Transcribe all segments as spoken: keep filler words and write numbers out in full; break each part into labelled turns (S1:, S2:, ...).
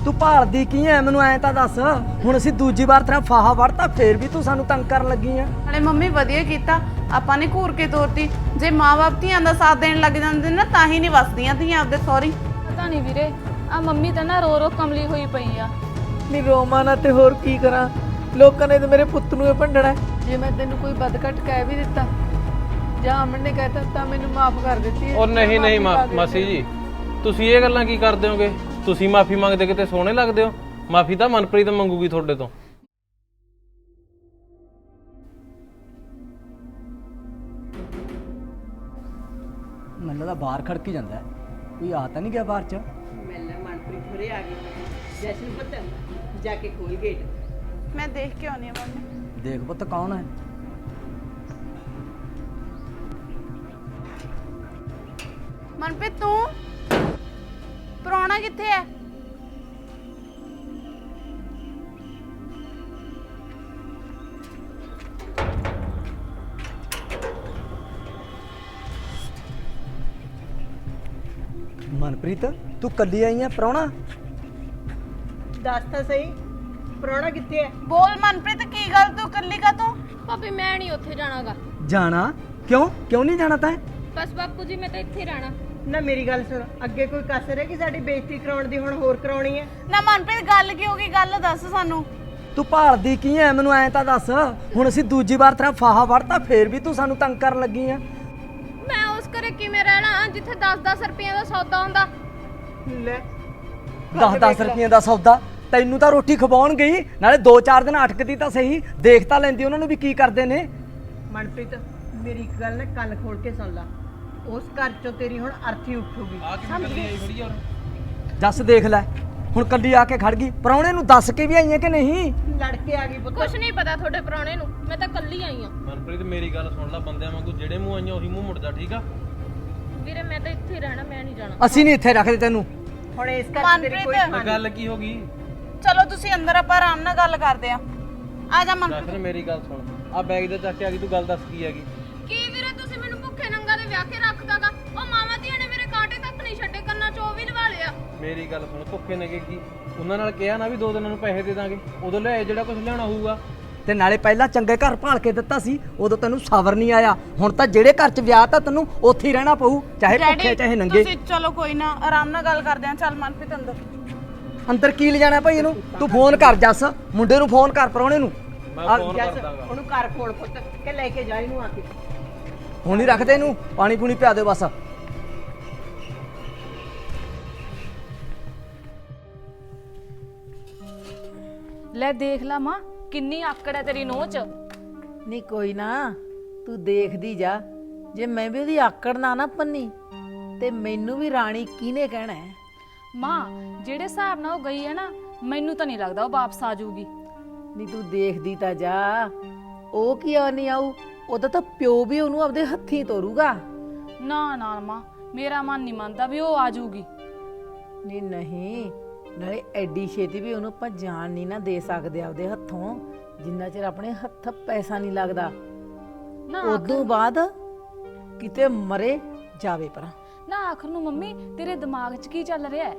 S1: ਤੂੰ ਭਾਲਦੀ ਕੀ ਐ ਮੈਨੂੰ ਐਂ ਤਾਂ ਦੱਸ। ਹੁਣ ਅਸੀਂ ਦੂਜੀ ਵਾਰ ਤੇਰਾ ਫਾਹਾ ਵੜਤਾ ਫੇਰ ਵੀ ਤੂੰ ਸਾਨੂੰ ਤੰਗ ਕਰਨ ਲੱਗੀ ਐ।
S2: ਨਾਲੇ ਮੰਮੀ ਵਧੀਆ ਕੀਤਾ ਆਪਾਂ ਨੇ ਘੂਰ ਕੇ ਤੋਰਤੀ। ਜੇ ਮਾਂ-ਬਾਪ ਧੀਆਂ ਦਾ ਸਾਥ ਦੇਣ ਲੱਗ ਜਾਂਦੇ ਨਾ ਤਾਂ ਹੀ ਨਹੀਂ ਵਸਦੀਆਂ ਧੀਆਂ ਆਪਦੇ ਸਹੁਰੀ।
S3: ਪਤਾ ਨਹੀਂ ਵੀਰੇ ਆ ਮੰਮੀ ਤਾਂ ਨਾ ਰੋ ਰੋ ਕਮਲੀ ਹੋਈ ਪਈ ਆ।
S4: ਨਹੀਂ ਰੋਵਾਂ ਨਾ ਤੇ ਹੋਰ ਕੀ ਕਰਾਂ, ਲੋਕਾਂ ਨੇ ਤਾਂ ਮੇਰੇ ਪੁੱਤ ਨੂੰ ਇਹ ਭੰਡਣਾ। ਜੇ ਮੈਂ ਤੈਨੂੰ ਕੋਈ ਬਦਕਟ ਕਹਿ ਵੀ ਦਿੱਤਾ ਜਾਂ ਅਮਨ ਨੇ ਕਹਿਤਾ ਤਾਂ ਮੈਨੂੰ ਮਾਫ ਕਰ ਦਿੱਤੀ।
S5: ਉਹ ਨਹੀਂ ਨਹੀਂ ਮਾਸੀ ਜੀ, ਤੁਸੀਂ ਇਹ ਗੱਲਾਂ ਕੀ ਕਰਦੇ ਹੋਗੇ? ਤੁਸੀਂ ਮਾਫੀ ਮੰਗਦੇ ਕਿਤੇ ਸੋਹਣੇ ਲੱਗਦੇ ਹੋ। ਮਾਫੀ ਤਾਂ ਮਨਪ੍ਰੀਤ ਮੰਗੂਗੀ ਤੁਹਾਡੇ ਤੋਂ।
S1: ਮੈਨੂੰ ਤਾਂ ਬਾਹਰ ਖੜਕੀ ਜਾਂਦਾ ਕੋਈ ਆ ਤਾਂ ਨਹੀਂ ਗਿਆ ਬਾਹਰ ਚ।
S6: ਮੈਨਾਂ ਮਨਪ੍ਰੀਤ ਹੋਰੇ ਆ ਗਈ। ਜਸ਼ਨ ਪੁੱਤ ਜਾ ਕੇ ਖੋਲ ਗੇਟ।
S2: ਮੈਂ ਦੇਖ ਕੇ ਆਉਣੀ ਆ ਮੰਮੀ।
S1: ਦੇਖ ਪੁੱਤ ਕੌਣ ਹੈ।
S2: ਮਨਪ੍ਰੀਤ ਤੂੰ ਪ੍ਰਾਹੁਣਾ ਕਿੱਥੇ ਹੈ?
S1: ਮਨਪ੍ਰੀਤ ਤੂੰ ਕੱਲੀ ਆਈ ਐ ਪ੍ਰਾਹੁਣਾ?
S6: ਦੱਸ ਤਾਂ ਸਹੀ ਪ੍ਰਾਹੁਣਾ ਕਿੱਥੇ ਹੈ?
S2: ਬੋਲ ਮਨਪ੍ਰੀਤ ਕੀ ਗੱਲ ਤੂੰ ਇਕੱਲੀ ਕਾ ਤੂੰ?
S3: ਭਾਬੀ ਮੈਂ ਨਹੀਂ ਉੱਥੇ ਜਾਣਾਗਾ।
S1: ਜਾਣਾ ਕਿਉਂ? ਕਿਉਂ ਨਹੀਂ ਜਾਣਾ ਤੈਂ?
S3: ਬਸ ਬਾਪੂ ਜੀ ਮੈਂ ਤਾਂ ਇੱਥੇ ਰਹਿਣਾ।
S6: ਨਾ ਮੇਰੀ ਗੱਲ ਸੁਣ, ਅੱਗੇ ਕੋਈ ਕਸਰ ਹੈ ਕਿ ਸਾਡੀ ਬੇਇੱਜ਼ਤੀ ਕਰਾਉਣ ਦੀ ਹੁਣ ਹੋਰ ਕਰਾਉਣੀ ਹੈ?
S2: ਨਾ ਮਨਪ੍ਰੀਤ ਗੱਲ ਕੀ ਹੋ ਗਈ ਗੱਲ ਦੱਸ ਸਾਨੂੰ।
S1: ਤੂੰ ਭਾਲਦੀ ਕੀ ਐ ਮੈਨੂੰ ਐਂ ਤਾਂ ਦੱਸ। ਹੁਣ ਅਸੀਂ ਦੂਜੀ ਵਾਰ ਤੇਰਾ ਫਾਹਾ ਵੜਤਾ ਫੇਰ ਵੀ ਤੂੰ ਸਾਨੂੰ ਤੰਗ ਕਰਨ ਲੱਗੀ ਐ।
S3: ਮੈਂ ਉਸ ਘਰੇ ਕਿਵੇਂ ਰਹਿਣਾ ਜਿੱਥੇ ਦਸ ਦਸ ਰੁਪਏ ਦਾ ਸੌਦਾ ਹੁੰਦਾ।
S6: ਲੈ
S1: ਦਸ ਦਸ ਰੁਪਈਆਂ ਦਾ ਸੌਦਾ ਤੈਨੂੰ ਤਾਂ ਰੋਟੀ ਖਵਾਉਣ ਗਈ, ਨਾਲੇ ਦੋ ਚਾਰ ਦਿਨ ਅਟਕਦੀ ਤਾਂ ਸਹੀ, ਦੇਖ ਤਾਂ ਲੈਂਦੀ ਉਹਨਾਂ ਨੂੰ ਵੀ ਕੀ ਕਰਦੇ ਨੇ।
S6: ਮਨਪ੍ਰੀਤ ਮੇਰੀ ਇੱਕ ਗੱਲ ਨਾ ਕੰਨ ਖੋਲ ਕੇ ਸੁਣ ਲੈ। ਉਸ ਘਰ ਚੋਂ ਤੇਰੀ ਹੁਣ ਅਰਥੀ ਉੱਠੂਗੀ। ਸਮਝ ਗਈ?
S1: ਜੱਸ ਦੇਖ ਲੈ ਹੁਣ ਕੱਲੀ ਆ ਕੇ ਖੜ ਗਈ। ਪ੍ਰਾਹੁਣੇ ਨੂੰ ਦੱਸ ਕੇ ਵੀ ਆਈ ਐ ਕਿ ਨਹੀਂ?
S6: ਲੜ ਕੇ ਆ ਗਈ ਪੁੱਤ।
S3: ਕੁਛ ਨਹੀਂ ਪਤਾ ਤੁਹਾਡੇ ਪ੍ਰਾਹੁਣੇ ਨੂੰ, ਮੈਂ ਤਾਂ ਕੱਲੀ ਆਈ ਆ।
S5: ਮਨਪ੍ਰੀਤ ਮੇਰੀ ਗੱਲ ਸੁਣ ਲੈ, ਬੰਦਿਆਂ ਵਾਂਗੂ ਜਿਹੜੇ ਮੂੰਹ ਆਈਆਂ ਉਹੀ ਮੂੰਹ ਮੁੜ ਜਾ, ਠੀਕ ਆ?
S3: ਵੀਰੇ ਮੈਂ ਤਾਂ ਇੱਥੇ ਰਹਿਣਾ, ਮੈਂ ਨਹੀਂ ਜਾਣਾ।
S1: ਅਸੀਂ ਨਹੀਂ ਇੱਥੇ ਰੱਖਦੇ ਤੈਨੂੰ।
S6: ਹੁਣ ਇਸ ਘਰ 'ਚ ਤੇਰੀ ਕੋਈ
S2: ਮਨਪ੍ਰੀਤ
S5: ਗੱਲ ਕੀ ਹੋ ਗਈ?
S2: ਚਲੋ ਤੁਸੀਂ ਅੰਦਰ ਆਪਾਂ ਆਰਾਮ ਨਾਲ ਗੱਲ ਕਰਦੇ ਆ। ਆ ਜਾ ਮਨਪ੍ਰੀਤ।
S5: ਜਸ਼ਨ ਮੇਰੀ ਗੱਲ ਸੁਣ, ਆ ਬੈਗ ਦੇ ਚੱਕ ਕੇ ਆ ਗਈ, ਤੂੰ ਗੱਲ ਦੱਸ ਕੀ ਹੈਗੀ?
S3: ਕੀ ਵੀਰੇ ਤੁਸੀਂ ਮੈਨੂੰ ਭੁੱਖੇ ਨੰਗਾ ਦੇ ਵਿਆਹ ਕੇ ਰੱਖਦਾਗਾ? ਉਹ ਮਾਵਾਂ ਧੀਆਂ ਨੇ ਮੇਰੇ ਕਾਂਟੇ ਤੱਕ ਨਹੀਂ ਛੱਡੇ, ਕੰਨਾਂ 'ਚ ਉਹ ਵੀ ਲਵਾ ਲਿਆ।
S5: ਮੇਰੀ ਗੱਲ ਸੁਣ, ਭੁੱਖੇ ਨੇਗੇ ਕੀ? ਉਹਨਾਂ ਨਾਲ ਕਿਹਾ ਨਾ ਵੀ ਦੋ ਦਿਨਾਂ ਨੂੰ ਪੈਸੇ ਦੇ ਦਾਂਗੇ, ਉਦੋਂ ਲਿਆਏ ਜਿਹੜਾ ਕੁਝ ਲਿਆਉਣਾ ਹੋਊਗਾ।
S1: ਤੇ ਨਾਲੇ ਪਹਿਲਾਂ ਚੰਗੇ ਘਰ ਭਾਲ ਕੇ ਦਿੱਤਾ ਸੀ, ਉਦੋਂ ਤੈਨੂੰ ਸਬਰ ਨਹੀਂ ਆਇਆ। ਹੁਣ ਤਾਂ ਜਿਹੜੇ ਘਰ 'ਚ ਵਿਆਹ ਤਾਂ ਤੈਨੂੰ ਉੱਥੇ ਹੀ ਰਹਿਣਾ ਪਊ, ਚਾਹੇ ਭੁੱਖੇ ਚਾਹੇ ਨੰਗੇ।
S2: ਤੁਸੀਂ ਚਲੋ ਕੋਈ ਨਾ ਆਰਾਮ ਨਾਲ ਗੱਲ ਕਰਦੇ ਆ। ਚੱਲ ਮਨਪ੍ਰੀਤ ਅੰਦਰ।
S1: ਅੰਦਰ ਕੀ ਲਿਜਾਣਾ ਭਾਈ ਇਹਨੂੰ? ਤੂੰ ਫੋਨ ਕਰ ਜੱਸ, ਮੁੰਡੇ ਨੂੰ ਫੋਨ ਕਰ ਪ੍ਰਾਹੁਣੇ ਨੂੰ।
S5: ਮੈਂ ਫੋਨ ਕਰ
S6: ਜੱਸ
S5: ਦਾਂਗਾ।
S6: ਉਹਨੂੰ ਘਰ ਫੋਨ ਪੁੱਤ ਕਿ ਲੈ ਕੇ ਜਾ ਇਹਨੂੰ ਆ ਕੇ।
S1: ਹੁਣ ਨਹੀਂ ਰੱਖਦੇ ਇਹਨੂੰ, ਪਾਣੀ ਪੂਣੀ ਪਿਆ ਦਿਓ ਬਸ।
S3: ਲੈ ਦੇਖ ਲਾ ਮਾਂ ਕਿੰਨੀ ਆਕੜ ਹੈ ਤੇਰੀ ਨੋਹ 'ਚ।
S4: ਨਹੀਂ ਕੋਈ ਨਾ ਤੂੰ ਦੇਖਦੀ ਜਾ, ਜੇ ਮੈਂ ਵੀ ਉਹਦੀ ਆਕੜ ਨਾ ਨਾ ਪੰਨੀ ਤੇ ਮੈਨੂੰ ਵੀ ਰਾਣੀ ਕਿਹਨੇ ਕਹਿਣਾ ਹੈ?
S3: ਮਾਂ ਜਿਹੜੇ ਹਿਸਾਬ ਨਾਲ ਉਹ ਗਈ ਹੈ ਨਾ, ਮੈਨੂੰ ਤਾਂ ਨਹੀਂ ਲੱਗਦਾ ਉਹ ਵਾਪਸ ਆ ਜਾਊਗੀ।
S4: ਨਹੀਂ ਤੂੰ ਦੇਖਦੀ ਤਾਂ ਜਾ, ਉਹ ਕੀ ਆ ਨਹੀਂ ਆਊ, ਉਹਦਾ ਤਾਂ ਪਿਓ ਵੀ ਉਹਨੂੰ ਆਪਦੇ ਹੱਥੀਂ ਤੋਰੂਗਾ।
S3: ਨਾ ਨਾ ਮਾਂ ਮੇਰਾ ਮਨ ਨਹੀਂ ਮੰਨਦਾ ਵੀ ਉਹ ਆ ਜਾਊਗੀ।
S4: ਨਹੀਂ ਨਹੀਂ, ਨਾਲੇ ਐਡੀ ਛੇਤੀ ਵੀ ਉਹਨੂੰ ਆਪਾਂ ਜਾਣ ਨਹੀਂ ਨਾ ਦੇ ਸਕਦੇ ਆਪਦੇ ਹੱਥੋਂ, ਜਿੰਨਾ ਚਿਰ ਆਪਣੇ ਹੱਥ ਪੈਸਾ ਨਹੀਂ ਲੱਗਦਾ।
S3: ਨਾ
S4: ਉਦੋਂ ਬਾਅਦ ਕਿਤੇ ਮਰੇ ਜਾਵੇ ਪਰਾਂ।
S3: ਨਾ ਆਖਰ ਨੂੰ ਮੰਮੀ ਤੇਰੇ ਦਿਮਾਗ 'ਚ ਕੀ ਚੱਲ ਰਿਹਾ ਹੈ?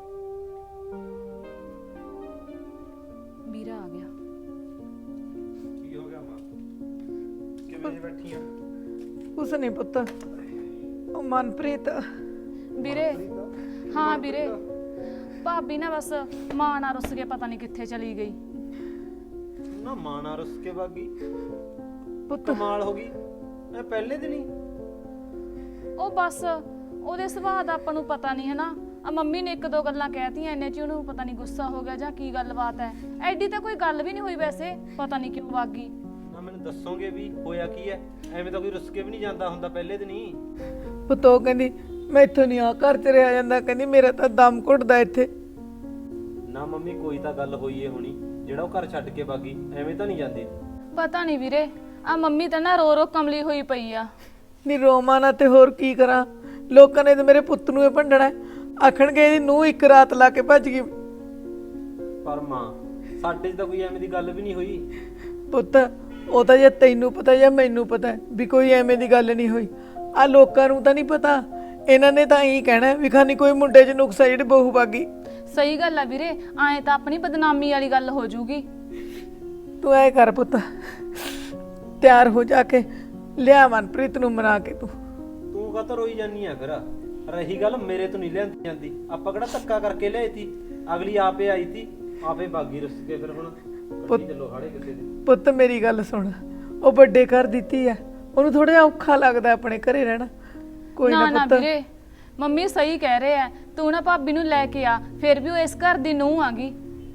S3: ਵੀਰਾ ਆ ਗਿਆ।
S5: ਕੀ ਹੋ ਗਿਆ ਮਾਂ? ਕਿਵੇਂ ਬੈਠੀ ਆ?
S4: ਕੁਛ ਨਹੀਂ ਪੁੱਤ, ਉਹ ਮਨਪ੍ਰੀਤ।
S3: ਵੀਰੇ ਹਾਂ ਵੀਰੇ, ਭਾਬੀ ਨਾ ਬਸ ਮਾਂ ਨਾਲ ਰੁੱਸ ਕੇ ਪਤਾ ਨਹੀਂ ਕਿੱਥੇ ਚਲੀ ਗਈ।
S7: ਨਾ ਮਾਣਾ ਰੁੱਸ ਕੇ ਬਾਗੀ
S4: ਪੁੱਤ
S7: ਕਮਾਲ ਹੋ ਗਈ। ਮੈਂ ਪਹਿਲੇ ਦਿਨ ਹੀ
S3: ਉਹ ਬਸ ਉਹਦੇ ਸੁਭਾਅ ਦਾ ਆਪਾਂ ਨੂੰ ਪਤਾ ਨਹੀਂ ਹੈ ਨਾ। ਆ ਮੰਮੀ ਨੇ ਇੱਕ ਦੋ ਗੱਲਾਂ ਕਹਿਤੀਆਂ, ਇੰਨੇ 'ਚ ਉਹਨੂੰ ਪਤਾ ਨਹੀਂ ਗੁੱਸਾ ਹੋ ਗਿਆ ਜਾਂ ਕੀ ਗੱਲਬਾਤ ਹੈ। ਐਡੀ ਤਾਂ ਕੋਈ ਗੱਲ ਵੀ ਨਹੀਂ ਹੋਈ ਵੈਸੇ, ਪਤਾ ਨਹੀਂ ਕਿਉਂ ਵਗ ਗਈ।
S7: ਨਾ ਮੈਨੂੰ ਦੱਸੋਗੇ ਵੀ ਹੋਇਆ ਕੀ ਹੈ? ਐਵੇਂ ਤਾਂ ਕੋਈ ਰੁੱਸ ਕੇ ਵੀ ਨਹੀਂ ਜਾਂਦਾ ਹੁੰਦਾ ਪਹਿਲੇ ਦਿਨ ਹੀ।
S4: ਪੁੱਤ ਉਹ ਕਹਿੰਦੀ ਮੈਂ ਇੱਥੋਂ ਨਹੀਂ ਆ ਘਰ ਚ ਰਿਹਾ ਜਾਂਦਾ, ਕਹਿੰਦੀ ਮੇਰਾ ਤਾਂ ਦਮ ਘੁੱਟਦਾ ਇੱਥੇ।
S7: ਨਾ ਮੰਮੀ ਕੋਈ ਤਾਂ ਗੱਲ ਹੋਈ ਏ ਹੋਣੀ, ਜਿਹੜਾ ਉਹ ਘਰ ਛੱਡ ਕੇ ਬਾਗੀ, ਐਵੇਂ ਤਾਂ ਨਹੀਂ ਜਾਂਦੀ।
S3: ਪਤਾ ਨਹੀਂ ਵੀਰੇ, ਆ ਮੰਮੀ ਤਾਂ ਨਾ ਰੋ ਰੋ ਕਮਲੀ ਹੋਈ ਪਈ ਆ।
S4: ਨਹੀਂ ਰੋਵਾਂ ਨਾ ਤੇ ਹੋਰ ਕੀ ਕਰਾਂ, ਲੋਕਾਂ ਨੇ ਤਾਂ ਮੇਰੇ ਪੁੱਤ ਨੂੰ ਇਹ ਭੰਡਣਾ। ਆਖਣਗੇ ਇਹਦੀ ਨੂੰਹ ਇੱਕ ਰਾਤ ਲਾ ਕੇ ਭੱਜ ਗਈ।
S7: ਪਰ ਮਾਂ ਸਾਡੇ 'ਚ ਤਾਂ ਕੋਈ ਐਵੇਂ ਦੀ ਗੱਲ ਵੀ ਨਹੀਂ ਹੋਈ।
S4: ਪੁੱਤ ਉਹ ਤਾਂ ਜੇ ਤੈਨੂੰ ਪਤਾ ਜਾਂ ਮੈਨੂੰ ਪਤਾ ਵੀ ਕੋਈ ਐਵੇਂ ਦੀ ਗੱਲ ਨਹੀਂ ਹੋਈ, ਆ ਲੋਕਾਂ ਨੂੰ ਤਾਂ ਨਹੀਂ ਪਤਾ। ਇਹਨਾਂ ਨੇ ਤਾਂ ਇਹੀ ਕਹਿਣਾ ਵੀ ਖਾਨੀ ਕੋਈ ਮੁੰਡੇ 'ਚ ਨੁਕਸਾ ਜਿਹੜੀ ਬਹੂ ਬਾਗੀ।
S3: ਸਹੀ ਗੱਲ ਆ ਵੀਰੇ, ਐਂ ਤਾਂ ਆਪਣੀ ਬਦਨਾਮੀ ਵਾਲੀ ਗੱਲ ਹੋ ਜੂਗੀ।
S4: ਤੂੰ ਐ ਕਰ ਪੁੱਤ, ਤਿਆਰ ਹੋ ਜਾ ਕੇ ਲਿਆ ਮਨਪ੍ਰੀਤ ਨੂੰ ਮਨਾ ਕੇ ਤੂੰ।
S7: ਤੂੰ ਕਾਹਤੋਂ ਰੋਈ ਜਾਨੀ ਆ ਫਿਰ? ਰਹੀ ਗੱਲ ਮੇਰੇ ਤੋਂ ਨਹੀਂ ਲਿਆਂਦੀ ਜਾਂਦੀ, ਆਪਾਂ ਕਿਹੜਾ ਧੱਕਾ ਕਰਕੇ ਲਿਆਈ ਤੀ, ਅਗਲੀ ਆਪੇ ਆਈ ਤੀ, ਆਪੇ ਬਾਗੀ ਰੁੱਸ ਕੇ ਫਿਰ ਹੁਣ ਕੱਢੀ ਚੱਲੋ ਹਾੜੇ ਕਿਸੇ ਦੇ।
S4: ਪੁੱਤ ਮੇਰੀ ਗੱਲ ਸੁਣ, ਉਹ ਵੱਡੇ ਘਰ ਦਿੱਤੀ ਆ, ਉਹਨੂੰ ਥੋੜਾ ਜਿਹਾ ਔਖਾ ਲੱਗਦਾ ਆਪਣੇ ਘਰੇ ਰਹਿਣਾ। ਕੋਈ
S3: ਨਾ
S4: ਨਾ
S3: ਨਾ
S4: ਪੁੱਤ,
S3: ਵੀਰੇ, ਮੰਮੀ ਸਹੀ ਕਹਿ ਰਹੇ ਆ, ਤੂੰ ਨਾ ਭਾਬੀ ਨੂੰ ਲੈ ਕੇ ਆ, ਫਿਰ ਵੀ ਉਹ ਇਸ ਘਰ ਦੀ ਨੂੰਹ ਆਗੀ।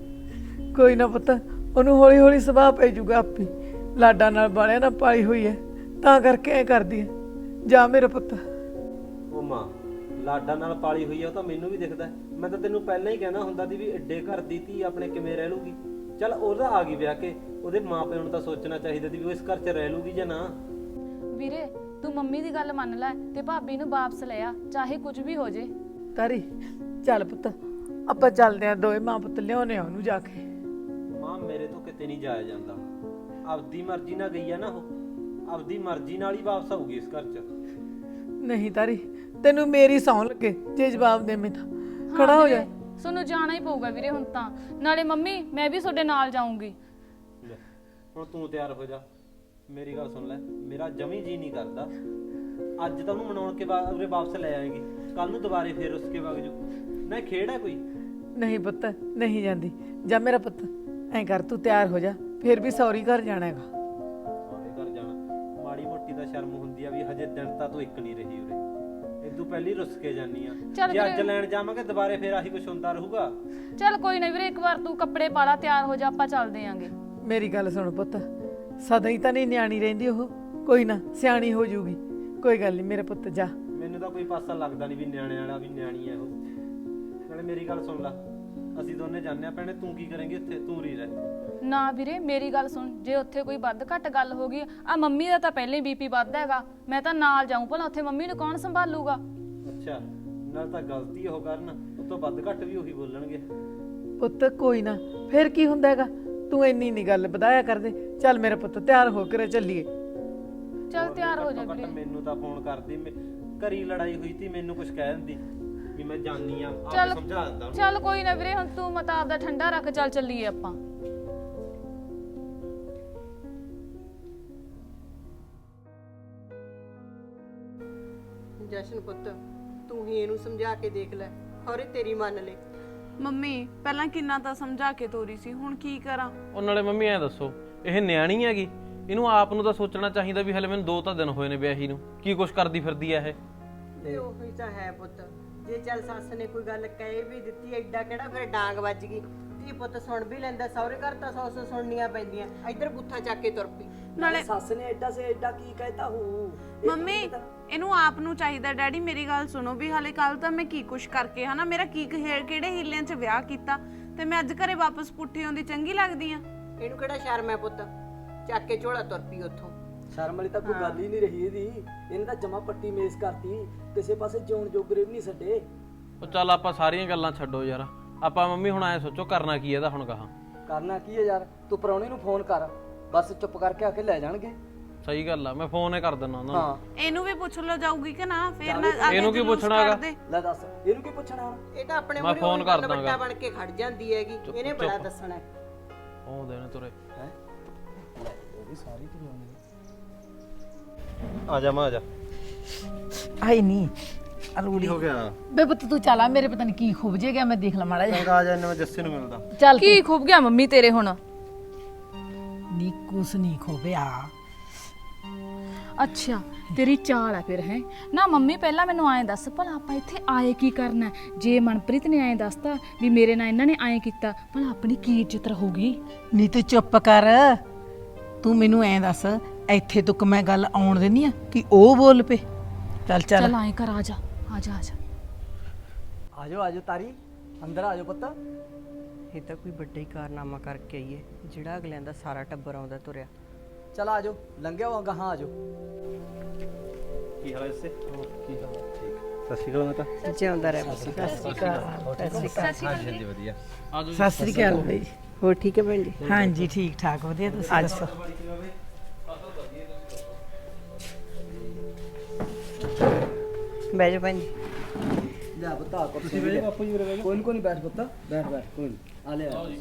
S4: ਕੋਈ ਨਾ ਪੁੱਤ, ਉਹਨੂੰ ਹੌਲੀ ਹੌਲੀ ਸੁਭਾਅ ਪੈ ਜਾਊਗਾ ਆਪੇ। ਲਾਡਾ ਨਾਲ ਬਾਲਿਆ ਨਾ ਪਾਲੀ ਹੋਈ ਹੈ, ਤਾਂ ਕਰਕੇ ਐ ਕਰਦੀ ਹੈ। ਜਾ ਮੇਰਾ ਪੁੱਤ।
S7: ਉਹ ਮਾਂ ਲਾਡਾ ਨਾਲ ਪਾਲੀ ਹੋਈ ਆ, ਉਹ ਤਾਂ ਮੈਨੂੰ ਵੀ ਦਿਖਦਾ। ਮੈਂ ਤਾਂ ਤੈਨੂੰ ਪਹਿਲਾਂ ਹੀ ਕਹਿਣਾ ਹੁੰਦਾ ਸੀ ਵੀ ਐਡੇ ਘਰ ਦੀ ਧੀ ਆਪਣੇ ਕਿਵੇਂ ਰਹਿ ਲੂਗੀ। ਚੱਲ ਉਹਦਾ ਆ ਗਈ ਵਿਆਹ ਕੇ, ਉਹਦੇ ਮਾਪਿਆਂ ਨੂੰ ਤਾਂ ਸੋਚਣਾ ਚਾਹੀਦਾ ਸੀ ਵੀ ਉਹ ਇਸ ਘਰ 'ਚ ਰਹਿ ਲੂਗੀ ਜਾਂ ਨਾ।
S3: ਵੀਰੇ ਤੂੰ ਮੰਮੀ ਦੀ ਗੱਲ ਮੰਨ ਲੈ ਤੇ ਭਾਬੀ ਨੂੰ ਵਾਪਸ ਲੈ ਆ, ਚਾਹੇ ਕੁਝ ਵੀ ਹੋ ਜੇ।
S4: ਤਾਰੀ ਚੱਲ ਪੁੱਤ, ਆਪਾਂ ਚੱਲਦੇ ਆਂ ਦੋਵੇਂ ਮਾਂ ਪੁੱਤ, ਲਿਆਉਣੇ ਆ ਉਹਨੂੰ ਜਾ ਕੇ।
S7: ਮਾਂ ਮੇਰੇ ਤੋਂ ਕਿਤੇ ਨਹੀਂ ਜਾਇਆ ਜਾਂਦਾ, ਆਪਦੀ ਮਰਜ਼ੀ ਨਾਲ ਗਈ ਆ ਨਾ ਉਹ, ਆਪਦੀ ਮਰਜ਼ੀ ਨਾਲ ਹੀ ਵਾਪਸ ਆਊਗੀ ਇਸ ਘਰ 'ਚ।
S4: ਨਹੀਂ ਤਾਰੀ, ਤੈਨੂੰ ਮੇਰੀ ਸੌਂ ਲੱਗੇ ਜੇ ਜਵਾਬ ਦੇਵੇਂ ਤਾਂ ਖੜਾ ਹੋ ਜਾ।
S3: ਤੁਹਾਨੂੰ ਜਾਣਾ ਹੀ ਪਊਗਾ ਵੀਰੇ ਹੁਣ ਤਾਂ, ਨਾਲੇ ਮੰਮੀ ਮੈਂ ਵੀ ਤੁਹਾਡੇ ਨਾਲ ਜਾਊਂਗੀ।
S7: ਲੈ, ਹੁਣ ਤੂੰ ਤਿਆਰ ਹੋ ਜਾ। ਮੇਰੀ ਗੱਲ ਸੁਣ ਲੈ, ਮੇਰਾ ਜਮੀ ਜੀ ਨਹੀਂ ਕਰਦਾ। ਅੱਜ ਤਾਂ ਉਹਨੂੰ ਮਨਾਉਣ ਕੇ ਬਾਅਦ ਉਰੇ ਵਾਪਸ ਲੈ ਆਏਗੀ, ਕੱਲ ਨੂੰ ਦੁਬਾਰੇ ਫੇਰ ਉਸ ਕੇ ਵਗ ਜੂ ਨਾ। ਖੇਡ ਹੈ ਕੋਈ?
S4: ਨਹੀਂ ਪੁੱਤ, ਨਹੀਂ ਜਾਂਦੀ। ਜਾ ਮੇਰਾ ਪੁੱਤ, ਐਂ ਕਰ ਤੂੰ ਤਿਆਰ ਹੋ ਜਾ, ਫਿਰ ਵੀ ਸੌਰੀ ਘਰ ਜਾਣਾ ਹੈਗਾ।
S7: ਸਾਰੇ ਘਰ ਜਾਣਾ, ਮਾੜੀ ਮੋਟੀ ਤਾਂ ਸ਼ਰਮ ਹੁੰਦੀ ਆ ਵੀ ਹਜੇ ਦਿਨ ਤਾਂ ਤੂੰ ਇੱਕ ਨਹੀਂ ਰਹੀ ਉਰੇ, ਇਦੋਂ ਪਹਿਲੀ ਰੁੱਸ ਕੇ ਜਾਨੀ ਆ। ਜੇ ਅੱਜ ਲੈਣ ਜਾਵਾਂਗੇ ਦੁਬਾਰੇ ਫੇਰ ਆਹੀ ਕੁਛ ਹੁੰਦਾ ਰਹੂਗਾ।
S3: ਚੱਲ ਕੋਈ ਨਾ ਵੀਰੇ, ਇੱਕ ਵਾਰ ਤੂੰ ਕੱਪੜੇ ਪਾ ਲਾ, ਤਿਆਰ ਹੋ ਜਾ, ਆਪਾਂ ਚੱਲਦੇ ਆਂਗੇ।
S4: ਮੇਰੀ ਗੱਲ ਸੁਣ ਪੁੱਤ, ਸਦਾ ਹੀ ਤਾਂ ਨਹੀਂ ਨਿਆਣੀ ਰਹਿੰਦੀ ਉਹ, ਕੋਈ ਨਾ ਸਿਆਣੀ ਹੋ ਜੂਗੀ। ਕੋਈ ਗੱਲ ਨਹੀਂ ਮੇਰੇ ਪੁੱਤ, ਜਾ।
S7: ਮੈਨੂੰ ਤਾਂ ਕੋਈ ਪਾਸਾ ਲੱਗਦਾ ਨਹੀਂ ਵੀ ਨਿਆਣੇ ਵਾਲਾ ਵੀ ਨਿਆਣੀ ਹੈ ਉਹ। ਨਾਲੇ ਮੇਰੀ ਗੱਲ ਸੁਣ ਲੈ, ਅਸੀਂ ਦੋਨੇ ਜਾਂਦੇ ਆ ਭੈਣੇ, ਤੂੰ ਕੀ ਕਰੇਂਗੀ ਉੱਥੇ? ਤੂੰ ਰੀ ਰਹਿ।
S3: ਨਾ ਵੀਰੇ ਮੇਰੀ ਗੱਲ ਸੁਣ, ਜੇ ਉੱਥੇ ਕੋਈ ਵੱਧ ਘੱਟ ਗੱਲ ਹੋ ਗਈ, ਆ ਮੰਮੀ ਦਾ ਤਾਂ ਪਹਿਲਾਂ ਹੀ ਬੀਪੀ ਵੱਧ ਹੈਗਾ, ਮੈਂ ਤਾਂ ਨਾਲ ਜਾਊਂ, ਭਲਾ ਉੱਥੇ ਮੰਮੀ ਨੂੰ ਕੌਣ ਸੰਭਾਲੂਗਾ?
S7: ਅੱਛਾ, ਨਾਲ ਤਾਂ ਗਲਤੀ ਉਹ ਕਰਨ, ਉਹ ਤੋਂ ਵੱਧ ਘੱਟ ਵੀ ਉਹੀ ਬੋਲਣਗੇ।
S4: ਪੁੱਤ ਕੋਈ ਨਾ, ਫਿਰ ਕੀ ਹੁੰਦਾ ਹੈਗਾ, ਤੂੰ ਇੰਨੀ ਨਹੀਂ ਗੱਲ ਵਧਾਇਆ ਕਰਦੇ। ਚੱਲ ਮੇਰਾ ਪੁੱਤ, ਤਿਆਰ ਹੋ ਕੇ ਚੱਲੀਏ।
S3: ਚੱਲ ਤਿਆਰ ਹੋ ਜਾ
S7: ਘੱਟੋ ਘੱਟ
S3: ਵੀਰੇ।
S7: ਮੈਨੂੰ ਤਾਂ ਫੋਨ ਕਰਦੀ, ਮੈਂ- ਘਰੀ ਲੜਾਈ ਹੋਈ ਸੀ, ਮੈਨੂੰ ਕੁਝ ਕਹਿ ਦਿੰਦੀ ਵੀ ਮੈਂ ਜਾਣੀ ਆ, ਆਪ
S3: ਚੱਲ
S7: ਸਮਝਾ ਦਿੰਦਾ ਉਹਨੂੰ।
S3: ਚੱਲ ਕੋਈ ਨਾ ਵੀਰੇ, ਹੁਣ ਤੂੰ ਮਤਾ ਆਪਦਾ ਠੰਡਾ ਰੱਖ, ਚੱਲ ਚੱਲੀਏ ਆਪਾਂ।
S6: ਜਸ਼ਨ ਪੁੱਤ, ਤੂੰ ਹੀ ਇਹਨੂੰ ਸਮਝਾ ਕੇ ਦੇਖ ਲੈ, ਔਰ ਇਹ ਤੇਰੀ ਮੰਨ ਲੈ।
S2: ਮੰਮੀ ਪਹਿਲਾਂ ਕਿੰਨਾ ਤਾਂ ਸਮਝਾ ਕੇ ਤੋਰੀ ਸੀ, ਹੁਣ ਕੀ ਕਰਾਂ?
S5: ਉਹ ਨਾਲੇ ਮੰਮੀ ਐਂ ਦੱਸੋ, ਇਹ ਨਿਆਣੀ ਹੈਗੀ, ਇਹਨੂੰ ਆਪ ਨੂੰ ਤਾਂ ਸੋਚਣਾ ਚਾਹੀਦਾ ਵੀ ਹਲੇ ਮੈਨੂੰ ਦੋ ਤਾਂ ਦਿਨ ਹੋਏ ਨੇ ਵਿਆਹੀ ਨੂੰ, ਕੀ ਕੁਛ ਕਰਦੀ ਫਿਰਦੀ ਐ ਇਹ।
S6: ਤੇ ਉਹੀ ਤਾਂ ਹੈ ਪੁੱਤ, ਜੇ ਚੱਲ ਸੱਸ ਨੇ ਕੋਈ ਗੱਲ ਕਹਿ ਵੀ ਦਿੱਤੀ, ਐਡਾ ਕਿਹੜਾ ਫਿਰ ਡਾਂਗ ਵੱਜ ਗਈ। ਧੀ ਪੁੱਤ ਸੁਣ ਵੀ ਲੈਂਦਾ, ਸਹੁਰੇ ਘਰ ਤਾਂ ਸੌ ਸੌ ਸੁਣਨੀਆਂ ਪੈਂਦੀਆਂ, ਇੱਧਰ ਬੁੱਥਾ ਚੱਕ ਕੇ ਤੁਰ ਪਈ।
S2: ਨਾਲੇ
S1: ਸੱਸ ਨੇ ਐਡਾ ਸੇ ਐਡਾ ਕੀ ਕਹਿਤਾ ਹੂੰ।
S2: ਮੰਮੀ ਇਹਨੂੰ ਆਪ ਨੂੰ ਚਾਹੀਦਾ, ਡੈਡੀ ਮੇਰੀ ਗੱਲ ਸੁਣੋ, ਵੀ ਹਾਲੇ ਕੱਲ ਤਾਂ ਮੈਂ ਕੀ ਕੁਛ ਕਰਕੇ ਹਨਾ, ਮੇਰਾ ਕੀ ਖੇ- ਕਿਹੜੇ ਹੀਲਿਆਂ 'ਚ ਵਿਆਹ ਕੀਤਾ, ਤੇ ਮੈਂ ਅੱਜ ਘਰੇ ਵਾਪਸ ਪੁੱਠੀ ਆਉਂਦੀ ਚੰਗੀ ਲੱਗਦੀ ਆ?
S6: ਇਹਨੂੰ ਕਿਹੜਾ ਸ਼ਰਮ ਹੈ ਪੁੱਤ, ਚੱਕ ਕੇ ਝੋਲਾ ਤੁਰ ਪਈ ਉੱਥੋਂ।
S1: ਸ਼ਰਮ ਵਾਲੀ ਤਾਂ ਕੋਈ ਗੱਲ ਹੀ ਨਹੀਂ ਰਹੀ ਇਹਦੀ, ਇਹਨੇ ਤਾਂ ਜਮਾ ਪੱਟੀ ਮੇਜ਼ ਕਰਤੀ, ਕਿਸੇ ਪਾਸੇ ਜਿਉਣ ਜੋਗਰੇ ਵੀ ਨਹੀਂ ਛੱਡੇ।
S5: ਉਹ ਚੱਲ ਆਪਾਂ ਸਾਰੀਆਂ ਗੱਲਾਂ ਛੱਡੋ ਯਾਰ, ਆਪਾਂ ਮੰਮੀ ਹੁਣ ਐ ਸੋਚੋ ਕਰਨਾ ਕੀ ਇਹਦਾ ਹੁਣ ਕਹਾ।
S1: ਕਰਨਾ ਕੀ ਹੈ ਯਾਰ, ਤੂੰ ਪ੍ਰਾਹੁਣੇ ਨੂੰ ਫੋਨ ਕਰ, ਬਸ ਚੁੱਪ ਕਰਕੇ ਆ ਕੇ ਲੈ ਜਾਣਗੇ।
S5: ਸਹੀ ਗੱਲ ਆ, ਮੈਂ ਫੋਨ ਹੀ ਕਰ ਦਿੰਦਾ ਉਹਨਾਂ ਨੂੰ।
S1: ਹਾਂ
S2: ਇਹਨੂੰ ਵੀ ਪੁੱਛ ਲਓ ਜਾਊਗੀ ਕਿ ਨਾ, ਫਿਰ ਨਾ
S5: ਇਹਨੂੰ ਕੀ ਪੁੱਛਣਾ ਹੈਗਾ?
S1: ਲੈ ਦੱਸ, ਇਹਨੂੰ ਕੀ ਪੁੱਛਣਾ ਹੁਣ?
S6: ਇਹ ਤਾਂ ਆਪਣੇ
S5: ਮੈਂ
S6: ਮੂਹਰੇ
S5: ਫੋਨ
S6: ਉਹੀ ਗੱਲ
S5: ਕਰ ਦਾਂਗਾ।
S6: ਵੱਡਾ ਬਣ ਕੇ ਖੜ ਜਾਂਦੀ ਹੈਗੀ, ਇਹਨੇ ਬੜਾ ਦੱਸਣਾ ਹੈ।
S5: ਉਹ ਦੇਣੇ ਤੁਰੇ
S1: ਹੈ ਉਹ ਵੀ ਸਾਰੀ ਤੂੰ
S7: ਆ ਜਾ ਮਾਂ, ਆ ਜਾ।
S4: ਆਈ ਨਹੀਂ ਅਰੂਲੀ
S7: ਹੋ ਗਿਆ?
S4: ਬੇ ਪੁੱਤ ਤੂੰ ਚੱਲ ਆ, ਮੇਰੇ ਪਤਾ ਨਹੀਂ ਕੀ ਖੁੱਭ ਜੇ ਗਿਆ, ਮੈਂ ਦੇਖ ਲਾ ਮਾੜਾ ਜਿਹਾ।
S7: ਆ ਜਾ, ਇਹਨਾਂ ਮੈਂ ਜੱਸੇ ਨੂੰ ਮਿਲਦਾ।
S4: ਚੱਲ
S3: ਕੀ ਖੁੱਭ ਗਿਆ ਮੰਮੀ ਤੇਰੇ ਹੁਣ?
S4: ਨੀ ਕੁਛ ਨਹੀਂ ਖੋਬਿਆ।
S3: ਅੱਛਾ ਤੇਰੀ ਚਾਲ ਆ ਫਿਰ, ਹੈ ਨਾ ਮੰਮੀ ਪਹਿਲਾਂ ਮੈਨੂੰ ਐਂ ਦੱਸ, ਭਲਾ ਆਪਾਂ ਇੱਥੇ ਆਏ ਕੀ ਕਰਨਾ? ਜੇ ਮਨਪ੍ਰੀਤ ਨੇ ਐਂ ਦੱਸਤਾ ਵੀ ਮੇਰੇ ਨਾਲ ਇਹਨਾਂ ਨੇ ਐਂ ਕੀਤਾ, ਭਲਾ ਆਪਣੀ ਕੀ ਇੱਜ਼ਤ ਰਹੂਗੀ?
S4: ਨੀ ਤੂੰ ਚੁੱਪ ਕਰ, ਤੂੰ ਮੈਨੂੰ ਐਂ ਦੱਸ, ਇੱਥੇ ਤੱਕ ਮੈਂ ਗੱਲ ਆਉਣ ਦੇਣੀ ਆ ਕਿ ਉਹ ਬੋਲ ਪਏ? ਚੱਲ ਚੱਲ
S3: ਚੱਲ ਐਂ ਕਰ, ਆ ਜਾ ਆ ਜਾ ਆ ਜਾ।
S1: ਆਜੋ ਆਜੋ ਤਾਰੀ, ਅੰਦਰ ਆਜੋ ਪੁੱਤ।
S6: ਇਹ ਤਾਂ ਕੋਈ ਵੱਡਾ ਹੀ ਕਾਰਨਾਮਾ ਕਰਕੇ ਆਈਏ, ਜਿਹੜਾ ਅਗਲਿਆਂ ਦਾ ਸਾਰਾ ਟੱਬਰ ਆਉਂਦਾ ਤੁਰਿਆ।
S1: ਚਲ ਆਜੋ, ਲੰਘਿਆ ਵਾਂਗਾ, ਹਾਂ ਆਜੋ।
S7: ਕੀ ਹਾਲ ਹੈ ਇਸੇ? ਕੀ ਹਾਲ ਹੈ? ਠੀਕ। ਸਤਿ ਸ਼੍ਰੀ ਅਕਾਲ ਮਾਤਾ।
S6: ਜਿਉਂਦਾ ਰਹਿ ਪੁੱਤ।
S7: ਹਾਂਜੀ ਹਾਂਜੀ, ਵਧੀਆ।
S4: ਸਤਿ ਸ੍ਰੀ ਅਕਾਲ ਬਈ।
S6: ਹੋਰ ਠੀਕ ਹੈ ਭੈਣ ਜੀ?
S4: ਹਾਂਜੀ ਠੀਕ ਠਾਕ, ਵਧੀਆ। ਤੁਸੀਂ ਦੱਸੋ?
S6: ਬਹਿ ਜਾ ਭੈਣ ਜੀ।
S1: ਜਾ ਪੁੱਤ ਆ ਕੁਰਸੀ
S7: ਤੁਸੀਂ ਬੈਠੋ ਬਾਪੂ ਜੀ ਉਰੇ ਬੈਠੋ।
S1: ਕੋਈ ਨੀ ਕੋਈ ਨੀ ਬੈਠ ਪੁੱਤ ਬੈਠ ਬੈਠ ਕੋਈ ਨੀ ਆ ਲੈ ਆ।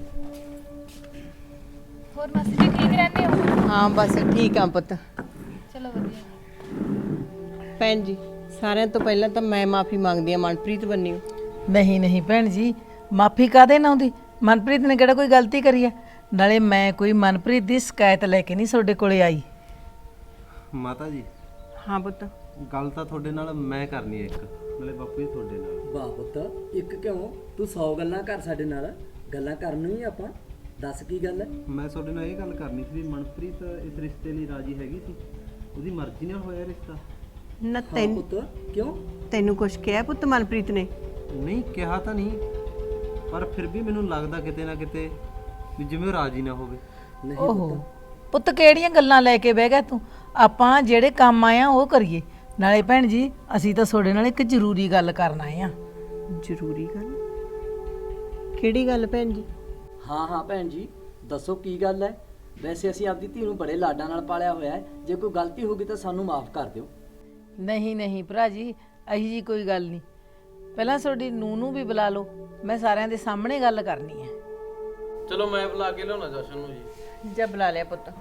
S3: ਹੋਰ ਮਾਸੀ ਜੀ ਠੀਕ ਰਹਿੰਦੇ ਹੋ?
S6: ਹਾਂ ਬਸ ਠੀਕ ਆ ਪੁੱਤ।
S3: ਚਲੋ ਵਧੀਆ।
S6: ਭੈਣ ਜੀ ਸਾਰਿਆਂ ਤੋਂ ਪਹਿਲਾਂ ਤਾਂ ਮੈਂ ਮਾਫੀ ਮੰਗਦੀ ਆ ਮਨਪ੍ਰੀਤ ਬੰਨਿਓ।
S4: ਨਹੀਂ ਨਹੀਂ ਭੈਣ ਜੀ, ਮਾਫੀ ਕਾਦੇ ਨਾ ਹੁੰਦੀ। ਮਨਪ੍ਰੀਤ ਨੇ ਕਿਹੜਾ ਕੋਈ ਗਲਤੀ ਕਰੀ ਹੈ? ਨਾਲੇ ਮੈਂ ਕੋਈ ਮਨਪ੍ਰੀਤ ਦੀ ਸ਼ਿਕਾਇਤ ਲੈ ਕੇ ਨਹੀਂ ਤੁਹਾਡੇ ਕੋਲੇ ਆਈ।
S7: ਮਾਤਾ ਜੀ
S6: ਹਾਂ ਪੁੱਤ।
S7: ਗੱਲ ਤਾਂ ਤੁਹਾਡੇ ਨਾਲ ਮੈਂ ਕਰਨੀ ਹੈ ਇੱਕ, ਨਾਲੇ ਬਾਪੂ ਜੀ ਤੁਹਾਡੇ ਨਾਲ।
S1: ਵਾਹ ਪੁੱਤ ਇੱਕ ਕਿਉਂ ਤੂੰ ਸੌ ਗੱਲਾਂ ਕਰ ਸਾਡੇ ਨਾਲ ਗੱਲਾਂ ਕਰਨੀਆਂ ਹੀ ਆਪਾਂ ਦੱਸ ਕੀ ਗੱਲ ਹੈ।
S7: ਮੈਂ ਤੁਹਾਡੇ ਨਾਲ ਇਹ ਗੱਲ ਕਰਨੀ ਸੀ ਵੀ ਮਨਪ੍ਰੀਤ ਇਸ ਰਿਸ਼ਤੇ ਲਈ ਰਾਜੀ ਹੈਗੀ ਸੀ, ਉਹਦੀ ਮਰਜ਼ੀ ਨਾਲ ਹੋਇਆ ਰਿਸ਼ਤਾ।
S6: ਨਾ
S1: ਹਾਂ
S6: ਤੈਨੂੰ
S1: ਪੁੱਤ ਕਿਉਂ
S6: ਤੈਨੂੰ ਕੁਛ ਕਿਹਾ ਪੁੱਤ ਮਨਪ੍ਰੀਤ ਨੇ?
S7: ਨਹੀਂ ਕਿਹਾ ਤਾਂ ਨਹੀਂ, ਪਰ ਫਿਰ ਵੀ ਮੈਨੂੰ ਲੱਗਦਾ ਕਿਤੇ ਨਾ ਕਿਤੇ ਵੀ ਜਿਵੇਂ ਉਹ ਰਾਜੀ ਨਾ ਹੋਵੇ।
S1: ਨਹੀਂ
S4: ਓਹੋ ਪੁੱਤ ਕਿਹੜੀਆਂ ਗੱਲਾਂ ਲੈ ਕੇ ਬਹਿ ਗਿਆ ਤੂੰ? ਆਪਾਂ ਜਿਹੜੇ ਕੰਮ ਆਏ ਆ ਉਹ ਕਰੀਏ। ਨਾਲੇ ਭੈਣ ਜੀ ਅਸੀਂ ਤਾਂ ਤੁਹਾਡੇ ਨਾਲ ਇੱਕ ਜ਼ਰੂਰੀ ਗੱਲ ਕਰਨ ਆਏ ਆ।
S6: ਜ਼ਰੂਰੀ ਗੱਲ? ਕਿਹੜੀ ਗੱਲ ਭੈਣ ਜੀ?
S1: ਹਾਂ ਹਾਂ ਭੈਣ ਜੀ ਦੱਸੋ ਕੀ ਗੱਲ ਹੈ। ਵੈਸੇ ਅਸੀਂ ਆਪਦੀ ਧੀ ਨੂੰ ਬੜੇ ਲਾਡਾਂ ਨਾਲ ਪਾਲਿਆ ਹੋਇਆ ਹੈ, ਜੇ ਕੋਈ ਗਲਤੀ ਹੋ ਗਈ ਤਾਂ ਸਾਨੂੰ ਮਾਫ ਕਰ ਦਿਓ।
S4: ਨਹੀਂ ਨਹੀਂ ਭਰਾ ਜੀ ਅਹੀ ਜੀ ਕੋਈ ਗੱਲ ਨਹੀਂ। ਪਹਿਲਾਂ ਤੁਹਾਡੀ ਨੂੰਹ ਨੂੰ ਵੀ ਬੁਲਾ ਲਓ, ਮੈਂ ਸਾਰਿਆਂ ਦੇ ਸਾਹਮਣੇ ਗੱਲ ਕਰਨੀ ਹੈ।
S5: ਚਲੋ ਮੈਂ ਬੁਲਾ ਕੇ ਲਿਆਉਣਾ ਜਸ਼ਨ ਨੂੰ ਜੀ।
S6: ਜਾ ਬੁਲਾ ਲਿਆ ਪੁੱਤ।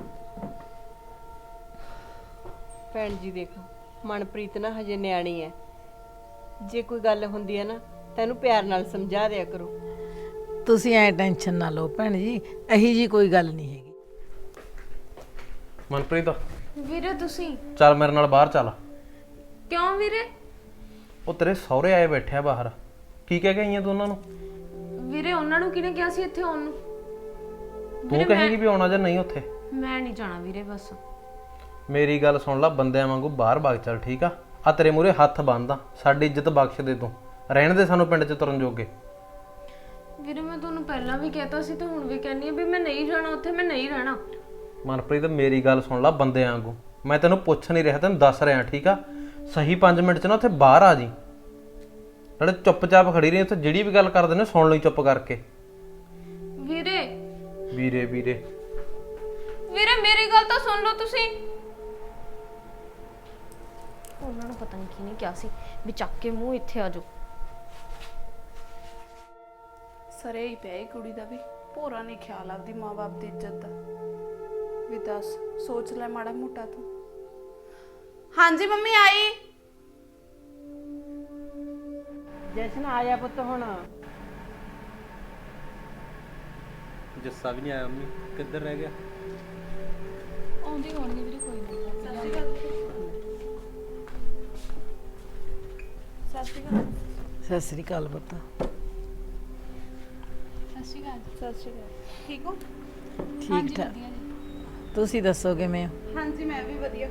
S6: ਭੈਣ ਜੀ ਦੇਖੋ ਮਨਪ੍ਰੀਤ ਨਾ ਹਜੇ ਨਿਆਣੀ ਹੈ, ਜੇ ਕੋਈ ਗੱਲ ਹੁੰਦੀ ਹੈ ਨਾ ਤੈਨੂੰ ਪਿਆਰ ਨਾਲ ਸਮਝਾ ਦਿਆ ਕਰੋ।
S4: ਤੁਸੀਂ ਐ ਟੈਨਸ਼ਨ ਨਾ ਲਓ ਭੈਣ ਜੀ, ਅਹੀ ਜੀ ਕੋਈ ਗੱਲ ਨਹੀਂ ਹੈਗੀ।
S5: ਮਨਪ੍ਰੀਤ
S2: ਵੀਰੇ ਤੁਸੀਂ
S5: ਚੱਲ ਮੇਰੇ ਨਾਲ ਬਾਹਰ ਚੱਲ।
S2: ਕਿਉਂ ਵੀਰੇ?
S5: ਉਹ ਤੇਰੇ ਸਹੁਰੇ ਆਏ ਬੈਠੇ ਆ ਬਾਹਰ, ਕੀ ਕਹਿ ਕੇ ਆਈਆਂ ਤੂੰ ਉਹਨਾਂ ਨੂੰ?
S2: ਵੀਰੇ ਉਹਨਾਂ ਨੂੰ ਕਿਹਨੇ ਕਿਹਾ ਸੀ ਇੱਥੇ ਆਉਣ ਨੂੰ?
S5: ਤੂੰ ਕਹੇਂਗੀ ਵੀ ਆਉਣਾ ਜਾਂ ਨਹੀਂ ਉੱਥੇ?
S2: ਮੈਂ ਨਹੀਂ ਜਾਣਾ ਵੀਰੇ ਬਸ।
S5: ਮੇਰੀ ਗੱਲ ਸੁਣ ਲੈ, ਬੰਦਿਆਂ ਵਾਂਗੂ ਬਾਹਰ ਵਗ ਚੱਲ ਠੀਕ ਆ। ਆ ਤੇਰੇ ਮੂਹਰੇ ਹੱਥ ਬੰਨਦਾ, ਸਾਡੀ ਇੱਜ਼ਤ ਬਖਸ਼ ਦੇ ਤੂੰ, ਰਹਿਣ ਦੇ ਸਾਨੂੰ ਪਿੰਡ 'ਚ ਤੁਰਨ ਜੋਗੇ।
S2: ਵੀਰੇ ਮੈਂ ਤੁਹਾਨੂੰ ਪਹਿਲਾਂ ਵੀ ਕਹਿਤਾ ਸੀ ਤੇ ਹੁਣ ਵੀ ਕਹਿੰਨੀ ਆ ਵੀ ਮੈਂ ਨਹੀਂ ਜਾਣਾ ਉੱਥੇ, ਮੈਂ ਨਹੀਂ ਰਹਿਣਾ।
S5: ਮਨਪ੍ਰੀਤ ਮੇਰੀ ਗੱਲ ਸੁਣ ਲੈ ਬੰਦਿਆਂ ਵਾਂਗੂ, ਮੈਂ ਤੈਨੂੰ ਪੁੱਛ ਨਹੀਂ ਰਿਹਾ, ਤੈਨੂੰ ਦੱਸ ਰਿਹਾ ਠੀਕ ਆ। ਸਹੀ ਪੰਜ ਮਿੰਟ 'ਚ ਨਾ ਉੱਥੇ ਬਾਹਰ ਆ ਜੀ, ਨਾਲੇ ਚੁੱਪਚਾਪ ਖੜੀ ਰਹੀ ਉੱਥੇ, ਜਿਹੜੀ ਵੀ ਗੱਲ ਕਰਦੇ ਨੇ ਸੁਣ ਲਈ ਚੁੱਪ ਕਰਕੇ।
S2: ਵੀਰੇ
S5: ਵੀਰੇ ਵੀਰੇ
S2: ਵੀਰੇ ਮੇਰੀ ਗੱਲ ਤਾਂ ਸੁਣ ਲਓ ਤੁਸੀਂ। ਉਹਨਾਂ ਨੂੰ ਪਤਾ ਨਹੀਂ ਕਿਹਨੇ ਕਿਹਾ ਸੀ ਵੀ ਚੱਕ ਕੇ ਮੂੰਹ ਇੱਥੇ ਆ ਜਾਓ।
S8: ਸਰੇ ਹੀ ਪਿਆ ਇਹ ਕੁੜੀ ਦਾ ਵੀ ਭੋਰਾ ਨਹੀਂ ਖਿਆਲ ਆਪਦੀ ਮਾਂ-ਬਾਪ ਦੀ ਇੱਜ਼ਤ ਦਾ ਵੀ। ਦੱਸ ਸੋਚ ਲੈ ਮਾੜਾ ਮੋਟਾ ਤੂੰ। ਹਾਂਜੀ ਮੰਮੀ ਆਈ।
S6: ਜਸ਼ਨ ਆਇਆ ਪੁੱਤ ਹੁਣ।
S7: ਜੱਸਾ ਵੀ ਨਹੀਂ ਆਇਆ ਮੰਮੀ, ਕਿੱਧਰ ਰਹਿ ਗਿਆ?
S3: ਆਉਂਦੀ ਹੋਣਗੇ ਵੀਰੇ, ਕੋਈ ਨਹੀਂ।
S4: ਸਤਿ ਸ੍ਰੀ ਅਕਾਲ ਪੁੱਤ।
S3: ਸਤਿ ਸ਼੍ਰੀ ਅਕਾਲ।
S8: ਸਤਿ ਸ਼੍ਰੀ ਅਕਾਲ। ਠੀਕ ਹੋ?
S4: ਠੀਕ ਠਾਕ।
S3: ਵਧੀਆ ਜੀ।
S4: ਤੁਸੀਂ ਦੱਸੋ ਕਿਵੇਂ ਹੋ?
S8: ਹਾਂਜੀ ਮੈਂ ਵੀ ਵਧੀਆ।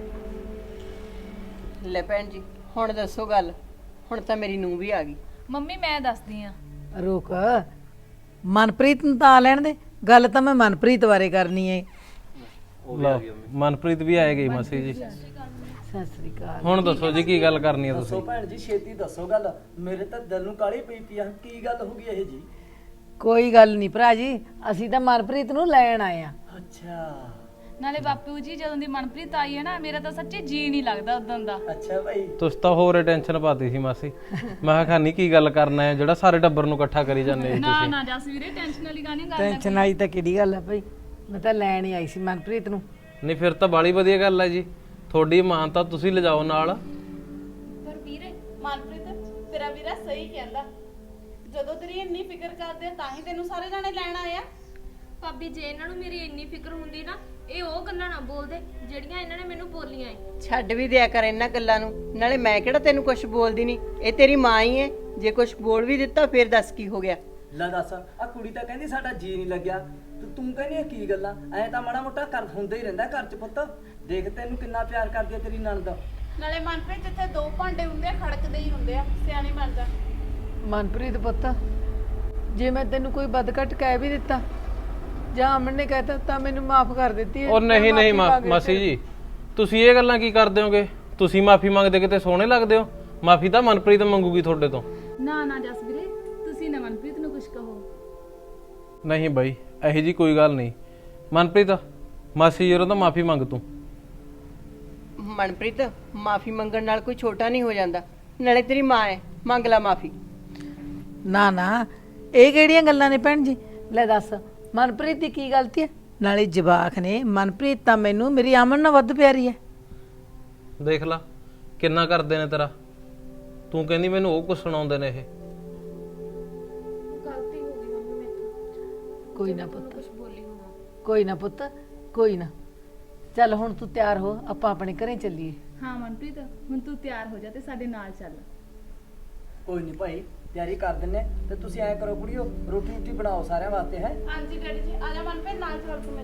S6: ਲੈ ਭੈਣ ਜੀ ਹੁਣ ਦੱਸੋ ਗੱਲ। ਹੁਣ ਤਾਂ ਮੇਰੀ ਨੂੰਹ ਵੀ ਆ ਗਈ।
S3: ਮੰਮੀ ਮੈਂ ਦੱਸਦੀ ਆ।
S4: ਰੁਕ, ਮਨਪ੍ਰੀਤ ਨੂੰ ਤਾਂ ਆ ਲੈਣ ਦੇ। ਗੱਲ ਤਾਂ ਮੈਂ ਮਨਪ੍ਰੀਤ ਬਾਰੇ ਕਰਨੀ ਹੈ।
S5: ਲਓ ਮਨਪ੍ਰੀਤ ਵੀ ਆਏ ਗਈ ਮਾਸੀ ਜੀ।
S4: ਸਤਿ ਸ੍ਰੀ ਅਕਾਲ।
S5: ਹੁਣ ਦੱਸੋ ਜੀ ਕੀ ਗੱਲ ਕਰਨੀ ਹੈ
S1: ਦੱਸੋ
S5: ਤੁਸੀਂ?
S1: ਭੈਣ ਜੀ ਛੇਤੀ ਦੱਸੋ ਗੱਲ, ਮੇਰੇ ਤਾਂ ਦਿਲ ਨੂੰ ਕਾਲੀ ਪਈ ਪਈ ਆ। ਕੀ ਗੱਲ ਹੋ ਗਈ ਇਹ ਜੀ?
S4: ਕੋਈ ਗੱਲ ਨਹੀਂ ਭਰਾ ਜੀ, ਅਸੀਂ ਤਾਂ ਮਨਪ੍ਰੀਤ ਨੂੰ ਲੈਣ ਆਏ ਆ।
S1: ਅੱਛਾ
S3: ਨਾਲੇ ਬਾਪੂ ਜੀ ਜਦੋਂ ਦੀ ਮਨਪ੍ਰੀਤ ਆਈ ਹੈ ਨਾ, ਮੇਰਾ ਤਾਂ ਸੱਚੀ ਜੀ ਨਹੀਂ ਲੱਗਦਾ ਉਦੋਂ ਦਾ।
S1: ਅੱਛਾ ਭਾਈ।
S5: ਤੁਸੀਂ ਤਾਂ ਹੋਰ ਟੈਨਸ਼ਨ ਪਾਤੀ ਸੀ ਮਾਸੀ। ਮੈਂ ਕਿਹਾ ਖਾਨੀ ਕੀ ਗੱਲ ਕਰਨਾ ਹੈ ਜਿਹੜਾ ਸਾਰੇ ਟੱਬਰ ਨੂੰ ਇਕੱਠਾ ਕਰੀ ਜਾਂਦੇ ਜੀ
S3: ਨਾ
S5: ਤੁਸੀਂ।
S3: ਨਾ ਜਸ ਵੀਰੇ ਟੈਨਸ਼ਨ ਵਾਲੀ ਗੱਲ ਨਹੀਂ ਕਰਨਾ।
S4: ਟੈਨਸ਼ਨ ਆਈ ਤਾਂ ਕਿਹੜੀ ਗੱਲ ਹੈ ਭਾਈ, ਮੈਂ ਤਾਂ ਲੈਣ ਹੀ ਆਈ ਸੀ ਮਨਪ੍ਰੀਤ ਨੂੰ।
S5: ਨਹੀਂ ਫਿਰ ਤਾਂ ਬਾਲੀ ਵਧੀਆ ਗੱਲ ਹੈ ਜੀ, ਤੁਹਾਡੀ ਮਾਂ ਤਾਂ ਤੁਸੀਂ ਲਿਜਾਓ ਨਾਲ।
S8: ਪਰ ਵੀਰੇ ਮਨਪ੍ਰੀਤ ਤੇਰਾ ਵੀਰਾ ਸਹੀ ਕਹਿੰਦਾ, ਜਦੋਂ ਤੇਰੀ ਇੰਨੀ ਫਿਕਰ ਕਰਦੇ ਆ ਤਾਂ ਹੀ ਤੈਨੂੰ ਸਾਰੇ ਜਾਣੇ ਲੈਣ ਆਏ ਆ।
S9: ਭਾਬੀ ਜੇ ਇਹਨਾਂ ਨੂੰ ਮੇਰੀ ਇੰਨੀ ਫਿਕਰ ਹੁੰਦੀ ਨਾ, ਇਹ ਉਹ ਗੱਲਾਂ ਨਾ ਬੋਲਦੇ ਜਿਹੜੀਆਂ ਇਹਨਾਂ ਨੇ ਮੈਨੂੰ ਬੋਲੀਆਂ ਏ।
S6: ਛੱਡ ਵੀ ਦਿਆ ਕਰ ਇਹਨਾਂ ਗੱਲਾਂ ਨੂੰ, ਨਾਲੇ ਮੈਂ ਕਿਹੜਾ ਤੈਨੂੰ ਕੁਝ ਬੋਲਦੀ ਨਹੀਂ, ਇਹ ਤੇਰੀ ਮਾਂ ਹੀ ਹੈ। ਜੇ ਕੁਝ ਬੋਲ ਵੀ ਦਿੱਤਾ ਫਿਰ ਦੱਸ ਕੀ ਹੋ ਗਿਆ?
S1: ਲੈ ਦੱਸ, ਆ ਕੁੜੀ ਤਾਂ ਕਹਿੰਦੀ ਸਾਡਾ ਜੀ ਨਹੀਂ ਲੱਗਿਆ, ਤੇ ਤੂੰ ਕਹਿੰਦੀ ਆ ਕੀ ਗੱਲਾਂ? ਐ ਤਾਂ ਮਾੜਾ ਮੋਟਾ ਕਰ ਹੁੰਦਾ ਹੀ ਰਹਿੰਦਾ ਘਰ 'ਚ ਪੁੱਤ। ਦੇਖ ਤੈਨੂੰ ਕਿੰਨਾ ਪਿਆਰ ਕਰਦੀ ਆ ਤੇਰੀ ਨਣਦ।
S8: ਨਾਲੇ ਮਨਪ੍ਰੀਤ ਜਿੱਥੇ ਦੋ ਭਾਂਡੇ ਹੁੰਦੇ ਆ ਖੜਕਦੇ ਹੀ ਹੁੰਦੇ ਆ, ਸਿਆਣੀ ਬਣ ਜਾ।
S4: ਮਨਪ੍ਰੀਤ ਪੁੱਤ, ਜੇ ਮੈਂ ਤੈਨੂੰ ਕੋਈ ਬਦਕਟ ਕਹਿ ਵੀ ਦਿੱਤਾ ਜਾਂ ਅਮਨ ਨੇ ਕਹਿਤਾ ਤਾਂ ਮੈਨੂੰ ਮਾਫ ਕਰ ਦਿੱਤੀ।
S5: ਉਹ ਨਹੀਂ ਨਹੀਂ ਮਾ- ਮਾਸੀ ਜੀ ਤੁਸੀਂ ਇਹ ਗੱਲਾਂ ਕੀ ਕਰਦੇ ਹੋਗੇ? ਤੁਸੀਂ ਮਾਫੀ ਮੰਗਦੇ ਕਿਤੇ ਸੋਹਣੇ ਲੱਗਦੇ ਹੋ। ਮਾਫੀ ਤਾਂ ਮਨਪ੍ਰੀਤ ਮੰਗੂਗੀ ਤੁਹਾਡੇ ਤੋਂ।
S3: ਨਾ ਨਾ ਜਸ ਵੀਰੇ ਤੁਸੀਂ ਨਾ ਮਨਪ੍ਰੀਤ ਨੂੰ ਕੁਝ ਕਹੋ।
S5: ਨਹੀਂ ਬਾਈ ਇਹੋ ਜੀ ਕੋਈ ਗੱਲ ਨਹੀਂ। ਮਨਪ੍ਰੀਤ ਮਾਸੀ ਜੀ ਤੋਂ ਮਾਫੀ ਮੰਗ ਤੂੰ।
S6: ਮਨਪ੍ਰੀਤ ਮਾਫੀ ਮੰਗਣ ਨਾਲ ਕੋਈ ਛੋਟਾ ਨਹੀਂ ਹੋ ਜਾਂਦਾ, ਨਾਲੇ ਤੇਰੀ ਮਾਂ ਹੈ, ਮੰਗ ਲਾ ਮਾਫੀ।
S4: ਨਾ ਨਾ, ਇਹ ਕਿਹੜੀਆਂ ਗੱਲਾਂ ਨੇ ਭੈਣ ਜੀ? ਲੈ ਦੱਸ, ਮਨਪ੍ਰੀਤ ਦੀ ਕੀ ਗਲਤੀ ਹੈ? ਨਾਲੇ ਜਵਾਕ ਨੇ, ਮਨਪ੍ਰੀਤ ਤਾਂ ਮੈਨੂੰ ਮੇਰੀ ਅਮਨ ਨਾਲ ਵੱਧ ਪਿਆਰੀ ਹੈ।
S5: ਦੇਖ ਲਾ ਕਿੰਨਾ ਕਰਦੇ ਨੇ ਤੇਰਾ, ਤੂੰ ਕਹਿੰਦੀ ਮੈਨੂੰ ਉਹ ਕੁਝ ਸੁਣਾਉਂਦੇ ਨੇ ਇਹ।
S9: ਗਲਤੀ ਹੋ ਗਈ ਮੰਮੀ ਮੇਥੋਂ।
S4: ਕੋਈ ਨਾ ਪੁੱਤ,
S9: ਕੁਝ ਬੋਲੀ ਹੋਣਾ।
S4: ਕੋਈ ਨਾ ਪੁੱਤ, ਕੋਈ ਨਾ। ਚੱਲ ਹੁਣ ਤੂੰ ਤਿਆਰ ਹੋ, ਆਪਾਂ ਆਪਣੇ ਘਰੇ ਚੱਲੀਏ।
S3: ਹਾਂ ਮਨਪ੍ਰੀਤ, ਹੁਣ ਤੂੰ ਤਿਆਰ ਹੋ ਜਾ ਤੇ ਸਾਡੇ ਨਾਲ ਚੱਲ।
S1: ਕੋਈ ਨਹੀਂ ਭਾਈ, ਤਿਆਰੀ ਕਰ ਦਿੰਨੇ। ਤੇ ਤੁਸੀਂ ਐ ਕਰੋ ਕੁੜੀਓ, ਰੋਟੀ ਰੋਟੀ ਬਣਾਓ ਸਾਰਿਆਂ ਵਾਸਤੇ ਹੈ।
S8: ਹਾਂਜੀ ਡੈਡੀ ਜੀ, ਆ ਜਾ ਮਨਪ੍ਰੀਤ ਨਾਲ ਚੱਲ ਤੂੰ ਮੇਰੇ।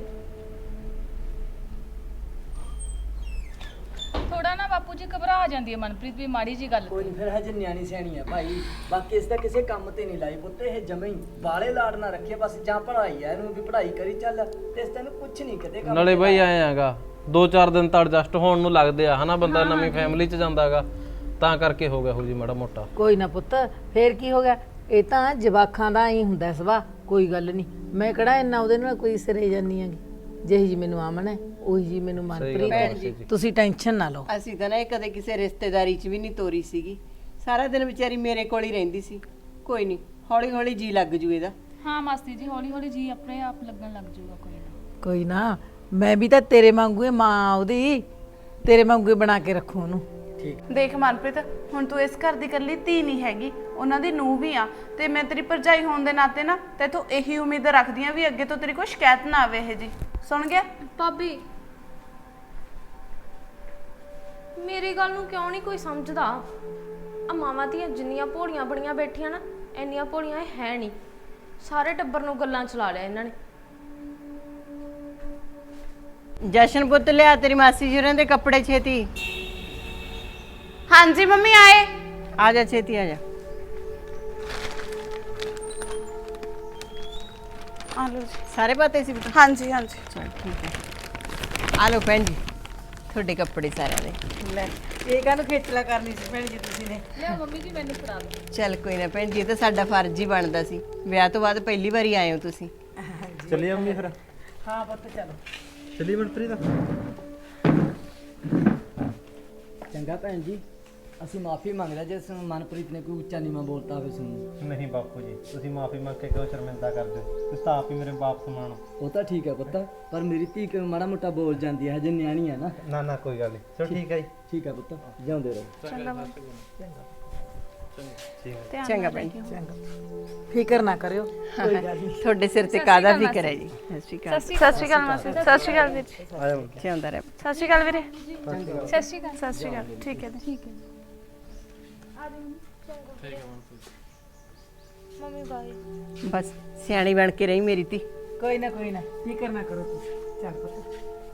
S3: ਥੋੜਾ ਨਾ ਬਾਪੂ ਜੀ ਘਬਰਾ ਜਾਂਦੀ ਹੈ ਮਨਪ੍ਰੀਤ ਵੀ ਮਾੜੀ ਜੀ ਗੱਲ।
S1: ਕੋਈ ਨਹੀਂ, ਫਿਰ ਹਜੇ ਨਿਆਣੀ ਸਿਆਣੀ ਹੈ ਭਾਈ। ਬਾਕੀ ਇਸ ਦਾ ਕਿਸੇ ਕੰਮ ਤੇ ਨਹੀਂ ਲਾਈ ਪੁੱਤ, ਇਹ ਜਮੇ ਹੀ ਬਾਲੇ ਲਾੜ ਨਾ ਰੱਖੇ ਬਸ। ਜਾਂ ਪੜ੍ਹਾਈ ਹੈ, ਇਹਨੂੰ ਵੀ ਪੜ੍ਹਾਈ ਕਰੀ ਚੱਲ, ਤੇ ਇਸ ਤੈਨੂੰ ਕੁਝ ਨਹੀਂ ਕਿਤੇ ਕੰਮ
S5: ਨਾਲੇ
S1: ਤੇ
S5: ਬਈ
S1: ਲਾਇਆ।
S5: ਐ ਆਗਾ ਦੋ ਚਾਰ ਦਿਨ ਤਾਂ ਐਡਜਸਟ ਹੋਣ ਨੂੰ ਲੱਗਦੇ ਆ ਹਨਾ, ਬੰਦਾ ਨਵੀਂ ਫੈਮਿਲੀ 'ਚ ਜਾਂਦਾਗਾ, ਤਾਂ ਕਰਕੇ ਹੋ ਗਿਆ ਹੋ ਜੀ ਮਾੜਾ ਮੋਟਾ।
S4: ਕੋਈ ਨਾ ਪੁੱਤ, ਫੇਰ ਕੀ ਹੋ ਗਿਆ? ਇਹ ਤਾਂ ਜਵਾਕਾਂ ਦਾ ਹੀ ਹੁੰਦਾ ਸੁਭਾਅ, ਕੋਈ ਗੱਲ ਨਹੀਂ। ਮੈਂ ਕਿਹੜਾ ਇੰਨਾ ਉਹਦੇ ਨਾਲ ਕੋਈ ਸਿਰੇ ਜਾਨੀ ਆਂਗੀ। ਜਿਹੀ ਜੀ ਮੈਨੂੰ ਆਮਨ ਹੈ, ਉਹੀ ਜੀ ਮੈਨੂੰ ਮਨਪ੍ਰੀਤ ਹੈ। ਤੁਸੀਂ ਟੈਨਸ਼ਨ ਨਾ ਲਓ।
S6: ਅਸੀਂ ਤਾਂ ਨਾ ਇਹ ਕਦੇ ਕਿਸੇ ਰਿਸ਼ਤੇਦਾਰੀ 'ਚ ਵੀ ਨਹੀਂ ਤੋਰੀ ਸੀਗੀ। ਸਾਰਾ ਦਿਨ ਵਿਚਾਰੀ ਮੇਰੇ ਕੋਲ ਹੀ ਰਹਿੰਦੀ ਸੀ। ਕੋਈ ਨਹੀਂ, ਹੌਲੀ ਹੌਲੀ ਜੀ ਲੱਗ ਜੂ ਇਹਦਾ।
S3: ਹਾਂ ਮਾਸੀ ਜੀ, ਹੌਲੀ ਹੌਲੀ ਜੀ ਆਪਣੇ ਆਪ ਲੱਗਣ ਲੱਗ ਜਾਊਗਾ। ਕੋਈ ਨਾ
S4: ਕੋਈ ਨਾ, ਮੈਂ ਵੀ ਤਾਂ ਤੇਰੇ ਵਾਂਗੂ ਹੀ ਮਾਂ ਉਹਦੀ, ਤੇਰੇ ਵਾਂਗੂ ਹੀ ਬਣਾ ਕੇ ਰੱਖੂ ਉਹਨੂੰ।
S8: ਦੇਖ ਮਨਪ੍ਰੀਤ, ਹੁਣ ਤੂੰ ਇਸ ਘਰ ਦੀ ਇਕੱਲੀ ਧੀ ਨਹੀਂ ਹੈਗੀ, ਉਹਨਾਂ ਦੀ ਨੂੰਹ ਵੀ ਆ। ਤੇ ਮੈਂ ਤੇਰੀ ਭਰਜਾਈ ਹੋਣ ਦੇ ਨਾਤੇ ਨਾ ਤੈਥੋਂ ਇਹੀ ਉਮੀਦ ਰੱਖਦੀ ਆ ਵੀ ਅੱਗੇ ਤੋਂ ਤੇਰੀ ਕੋਈ ਸ਼ਿਕਾਇਤ ਨਾ ਆਵੇ। ਇਹ ਜੀ ਸੁਣ ਗਿਆ
S9: ਭਾਬੀ ਮੇਰੀ ਗੱਲ ਨੂੰ ਕਿਉਂ ਨਹੀਂ ਕੋਈ ਸਮਝਦਾ? ਆ ਮਾਵਾਂ ਦੀਆਂ ਜਿੰਨੀਆਂ ਭੋਲੀਆਂ ਬੜੀਆਂ ਬੈਠੀਆਂ ਨਾ, ਇੰਨੀਆਂ ਭੋਲੀਆਂ ਇਹ ਹੈ ਨਹੀਂ। ਸਾਰੇ ਟੱਬਰ ਨੂੰ ਗੱਲਾਂ ਚਲਾ ਲਿਆ ਇਹਨਾਂ ਨੇ।
S6: ਜਸ਼ਨ ਪੁੱਤ ਲਿਆ ਤੇਰੀ ਮਾਸੀ ਜੀ ਹੋਰਾਂ ਦੇ ਕੱਪੜੇ ਛੇਤੀ।
S8: ਹਾਂਜੀ ਮੰਮੀ ਆਏ।
S6: ਆ ਜਾ ਛੇਤੀ ਆ ਜਾ।
S8: ਆ ਲਓ ਜੀ।
S6: ਸਾਰੇ ਪਾਤੇ ਸੀ ਪੁੱਤ?
S8: ਹਾਂਜੀ ਹਾਂਜੀ।
S6: ਚਲ ਠੀਕ ਹੈ। ਆ ਲਓ ਭੈਣ ਜੀ ਤੁਹਾਡੇ ਕੱਪੜੇ ਸਾਰਿਆਂ ਦੇ।
S4: ਲੈ, ਇਹ ਕਾਹਨੂੰ ਖੇਚਲਾ ਕਰਨੀ ਸੀ ਭੈਣ ਜੀ ਤੁਸੀਂ ਨੇ?
S3: ਲਿਆ ਮੰਮੀ ਜੀ, ਮੈਨੂੰ ਫੜਾ ਦਿਓ।
S6: ਚੱਲ ਕੋਈ ਨਾ ਭੈਣ ਜੀ, ਇਹ ਤਾਂ ਸਾਡਾ ਫਰਜ਼ ਹੀ ਬਣਦਾ ਸੀ। ਵਿਆਹ ਤੋਂ ਬਾਅਦ ਪਹਿਲੀ ਵਾਰੀ ਆਏ ਹੋ ਤੁਸੀਂ।
S7: ਚੱਲੀਏ ਮੰਮੀ ਫਿਰ।
S4: ਹਾਂ ਪੁੱਤ ਚਲੋ।
S7: ਚੱਲੀਏ ਮਨਪ੍ਰੀਤ।
S1: ਚੰਗਾ ਭੈਣ ਜੀ, ਅਸੀਂ ਮਾਫੀ ਮੰਗਦੇ ਜੇ ਮਨਪ੍ਰੀਤ ਨੇ ਕੋਈ ਉੱਚਾ ਨੀਵਾਂ ਬੋਲਤਾ ਹੋਵੇ ਤੁਹਾਨੂੰ।
S7: ਨਹੀਂ ਬਾਪੂ ਜੀ, ਤੁਸੀਂ ਮਾਫੀ ਮੰਗ ਕੇ ਕਿਉਂ ਸ਼ਰਮਿੰਦਾ ਕਰਦੇ ਹੋ? ਤੁਸੀਂ ਤਾਂ ਆਪ ਹੀ ਮੇਰੇ ਬਾਪ ਸਮਾਨ ਹੋ।
S1: ਉਹ ਤਾਂ ਠੀਕ ਹੈ ਪੁੱਤ, ਪਰ ਮੇਰੀ ਧੀ ਕਿ ਮਾੜਾ ਮੋਟਾ ਬੋਲ ਜਾਂਦੀ ਹੈ, ਹਜੇ ਨਿਆਣੀ ਹੈ ਨਾ।
S7: ਨਾ ਨਾ ਕੋਈ ਗੱਲ ਨਹੀਂ, ਚਲੋ ਠੀਕ ਹੈ ਜੀ।
S1: ਠੀਕ ਹੈ ਪੁੱਤ, ਜਿਉਂਦੇ ਰਹੋ।
S6: ਚੰਗਾ ਭੈਣ ਜੀ।
S4: ਫਿਕਰ ਨਾ ਕਰਿਓ।
S6: ਤੁਹਾਡੇ ਸਿਰ ਤੇ ਕਾਹਦਾ ਫਿਕਰ ਹੈ ਜੀ। ਸਤਿ ਸ਼੍ਰੀ ਅਕਾਲ।
S8: ਸਤਿ ਸ਼੍ਰੀ ਅਕਾਲ ਮਾਸੀ। ਸਤਿ ਸ਼੍ਰੀ ਅਕਾਲ ਵੀਰ ਜੀ।
S7: ਆਇਆ
S6: ਜਿਉਂਦਾ ਰਹਿ।
S8: ਸਤਿ ਸ਼੍ਰੀ ਅਕਾਲ ਵੀਰੇ।
S3: ਸਤਿ ਸ਼੍ਰੀ ਅਕਾਲ।
S8: ਸਤਿ ਸ਼੍ਰੀ ਅਕਾਲ। ਠੀਕ ਹੈ ਜੀ।
S3: ਠੀਕ ਹੈ।
S9: ਮੰਮੀ ਬਾਈ।
S6: ਬਸ ਸਿਆਣੀ ਬਣ ਕੇ ਰਹੀ ਮੇਰੀ ਧੀ।
S4: ਕੋਈ ਨਾ ਕੋਈ ਨਾ, ਫਿਕਰ ਨਾ ਕਰੋ ਤੁਸੀਂ। ਚੱਲ ਪੁੱਤ।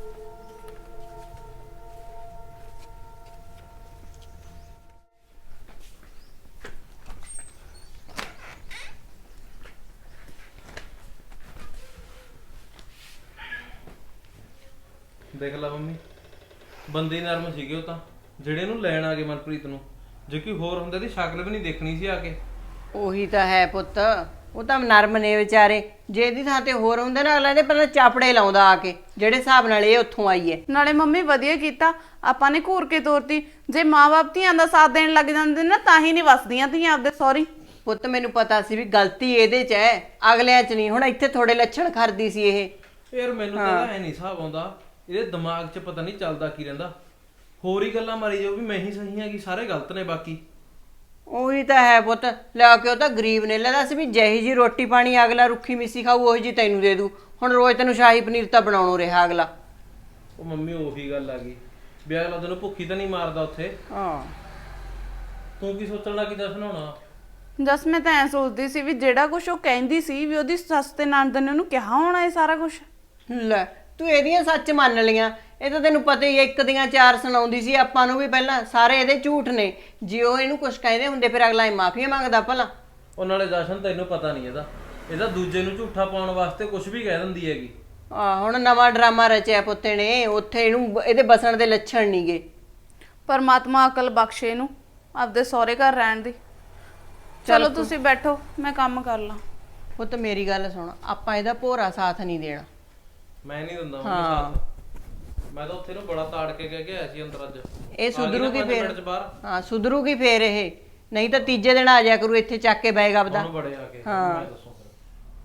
S5: ਦੇਖ ਲਾ ਮੰਮੀ, ਬੰਦੇ ਨਰਮ ਸੀਗੇ ਉਹ ਤਾਂ, ਜਿਹੜੇ ਇਹਨੂੰ ਲੈਣ ਆ ਗਏ ਮਨਪ੍ਰੀਤ ਨੂੰ। ਜੇ ਕੋਈ ਹੋਰ ਹੁੰਦੇ ਦੀ ਸ਼ਕਲ ਵੀ ਨਹੀਂ ਦੇਖਣੀ ਸੀ ਆ ਕੇ।
S6: ਉਹੀ ਤਾਂ ਹੈ ਪੁੱਤ, ਉਹ ਤਾਂ ਨਰਮ ਨੇ ਵਿਚਾਰੇ। ਜੇ ਇਹਦੀ ਥਾਂ ਤੇ ਹੋਰ ਹੁੰਦੇ ਨਾ, ਅਗਲਾ ਦੇ ਪਹਿਲਾਂ ਚਾਪੜੇ ਲਾਉਂਦਾ ਆ ਕੇ, ਜਿਹੜੇ ਹਿਸਾਬ ਨਾਲ ਇਹ ਉੱਥੋਂ ਆਈ ਹੈ।
S8: ਨਾਲੇ ਮੰਮੀ ਵਧੀਆ ਕੀਤਾ ਆਪਾਂ ਨੇ ਘੂਰ ਕੇ ਤੋਰਤੀ। ਜੇ ਮਾਂ-ਬਾਪ ਧੀਆਂ ਦਾ ਸਾਥ ਦੇਣ ਲੱਗ ਜਾਂਦੇ ਨਾ, ਤਾਂ ਹੀ ਨਹੀਂ ਵਸਦੀਆਂ ਧੀਆਂ ਆਪਦੇ ਸਹੁਰੀ।
S6: ਪੁੱਤ ਮੈਨੂੰ ਪਤਾ ਸੀ ਵੀ ਗਲਤੀ ਇਹਦੇ 'ਚ ਹੈ, ਅਗਲਿਆਂ 'ਚ ਨਹੀਂ। ਹੁਣ ਇੱਥੇ ਥੋੜੇ ਲੱਛਣ ਖਰਦੀ ਸੀ ਇਹ।
S5: ਯਾਰ ਮੈਨੂੰ ਤਾਂ ਐ ਨਹੀਂ ਹਿਸਾਬ ਆਉਂਦਾ, ਇਹਦੇ ਦਿਮਾਗ 'ਚ ਪਤਾ ਨਹੀਂ ਚੱਲਦਾ ਕੀ ਰਹਿੰਦਾ। ਹੋਰ ਹੀ ਗੱਲਾਂ ਮਾਰੀ ਜਾਓ ਵੀ ਮੈਂ ਹੀ ਸਹੀ ਹੈਗੀ, ਸਾਰੇ ਗਲਤ ਨੇ ਬਾਕੀ।
S6: ਉਹੀ ਤਾਂ ਹੈ ਪੁੱਤ, ਲੈ ਕੇ ਉਹ ਤਾਂ ਗਰੀਬ ਨੇ। ਲੈ ਦੱਸ ਵੀ ਜਿਹੀ ਜੀ ਰੋਟੀ ਪਾਣੀ ਅਗਲਾ ਰੁੱਖੀ ਮਿੱਸੀ ਖਾਊ, ਉਹੀ ਜੀ ਤੈਨੂੰ ਦੇ ਦੂ। ਹੁਣ ਰੋਜ਼ ਤੈਨੂੰ ਸ਼ਾਹੀ ਪਨੀਰ ਤਾਂ ਬਣਾਉਣੋਂ ਰਿਹਾ ਅਗਲਾ।
S5: ਉਹ ਮੰਮੀ ਉਹੀ ਗੱਲ ਆ ਗਈ ਵੀ ਅਗਲਾ ਤੈਨੂੰ ਭੁੱਖੀ ਤਾਂ ਨਹੀਂ ਮਾਰਦਾ ਉੱਥੇ।
S6: ਹਾਂ
S5: ਤੂੰ ਕੀ ਸੋਚਣ ਲੱਗੀ ਦੱਸ ਬਣਾਉਣਾ?
S8: ਜਸ ਮੈਂ ਤਾਂ ਐ ਸੋਚਦੀ ਸੀ ਵੀ ਜਿਹੜਾ ਕੁਝ ਉਹ ਕਹਿੰਦੀ ਸੀ ਵੀ ਉਹਦੀ ਸੱਸ ਤੇ ਨਣਦ ਨੇ ਉਹਨੂੰ ਕਿਹਾ ਹੋਣਾ ਇਹ ਸਾਰਾ ਕੁਝ।
S6: ਲੈ ਤੂੰ ਇਹਦੀਆਂ ਸੱਚ ਮੰਨ ਲਈਆਂ। ਇਹ ਤਾਂ ਤੈਨੂੰ ਪਤਾ ਹੀ ਹੈ, ਇੱਕ ਦੀਆਂ ਚਾਰ ਸੁਣਾਉਂਦੀ ਸੀ ਆਪਾਂ ਨੂੰ ਵੀ ਪਹਿਲਾਂ। ਸਾਰੇ ਇਹਦੇ ਝੂਠ ਨੇ। ਜੇ ਉਹ ਇਹਨੂੰ ਕੁਝ ਕਹਿੰਦੇ ਹੁੰਦੇ ਫਿਰ ਅਗਲਾ ਇਹ ਮਾਫੀਆਂ ਮੰਗਦਾ ਭਲਾ।
S5: ਉਹ ਨਾਲੇ ਜਸ਼ਨ ਤੈਨੂੰ ਪਤਾ ਨਹੀਂ ਇਹਦਾ, ਇਹਦਾ ਦੂਜੇ ਨੂੰ ਝੂਠਾ ਪਾਉਣ ਵਾਸਤੇ ਕੁਝ ਵੀ ਕਹਿ ਦਿੰਦੀ ਹੈਗੀ।
S6: ਆ ਹੁਣ ਨਵਾਂ ਡਰਾਮਾ ਰਚਿਆ ਪੁੱਤੇ ਨੇ। ਉੱਥੇ ਇਹਨੂੰ ਇਹਦੇ ਬਸਣ ਦੇ ਲੱਛਣ ਨਹੀਂਗੇ।
S8: ਪਰਮਾਤਮਾ ਅਕਲ ਬਖਸ਼ੇ ਇਹਨੂੰ ਆਪਦੇ ਸਹੁਰੇ ਘਰ ਰਹਿਣ ਦੀ। ਚਲੋ ਤੁਸੀਂ ਬੈਠੋ, ਮੈਂ ਕੰਮ ਕਰ ਲਾਂ।
S6: ਪੁੱਤ ਮੇਰੀ ਗੱਲ ਸੁਣ, ਆਪਾਂ ਇਹਦਾ ਭੋਰਾ ਸਾਥ ਨਹੀਂ ਦੇਣਾ।
S5: ਮੈਂ ਨਹੀਂ ਦਿੰਦਾ ਮੰਮੀ ਸਾਥ। ਮੈਂ ਤਾਂ ਉੱਥੇ ਨੂੰ ਬੜਾ ਤਾੜ ਕੇ ਕਹਿ ਕੇ ਆਇਆ ਸੀ ਅੰਦਰ ਅੱਜ।
S6: ਇਹ ਸੁਧਰੂਗੀ ਫੇਰ। ਹਾਂ ਸੁਧਰੂਗੀ ਫੇਰ ਇਹ। ਨਹੀਂ ਤਾਂ ਤੀਜੇ ਦਿਨ ਆ ਜਾਇਆ ਕਰੂ ਇੱਥੇ ਚੱਕ ਕੇ ਬੈਗ ਆਪਦਾ
S5: ਉਹਨੂੰ ਬੜੇ ਆ ਕੇ
S6: ਹਾਂ।
S5: ਮੈਂ ਦੱਸੋ ਫਿਰ।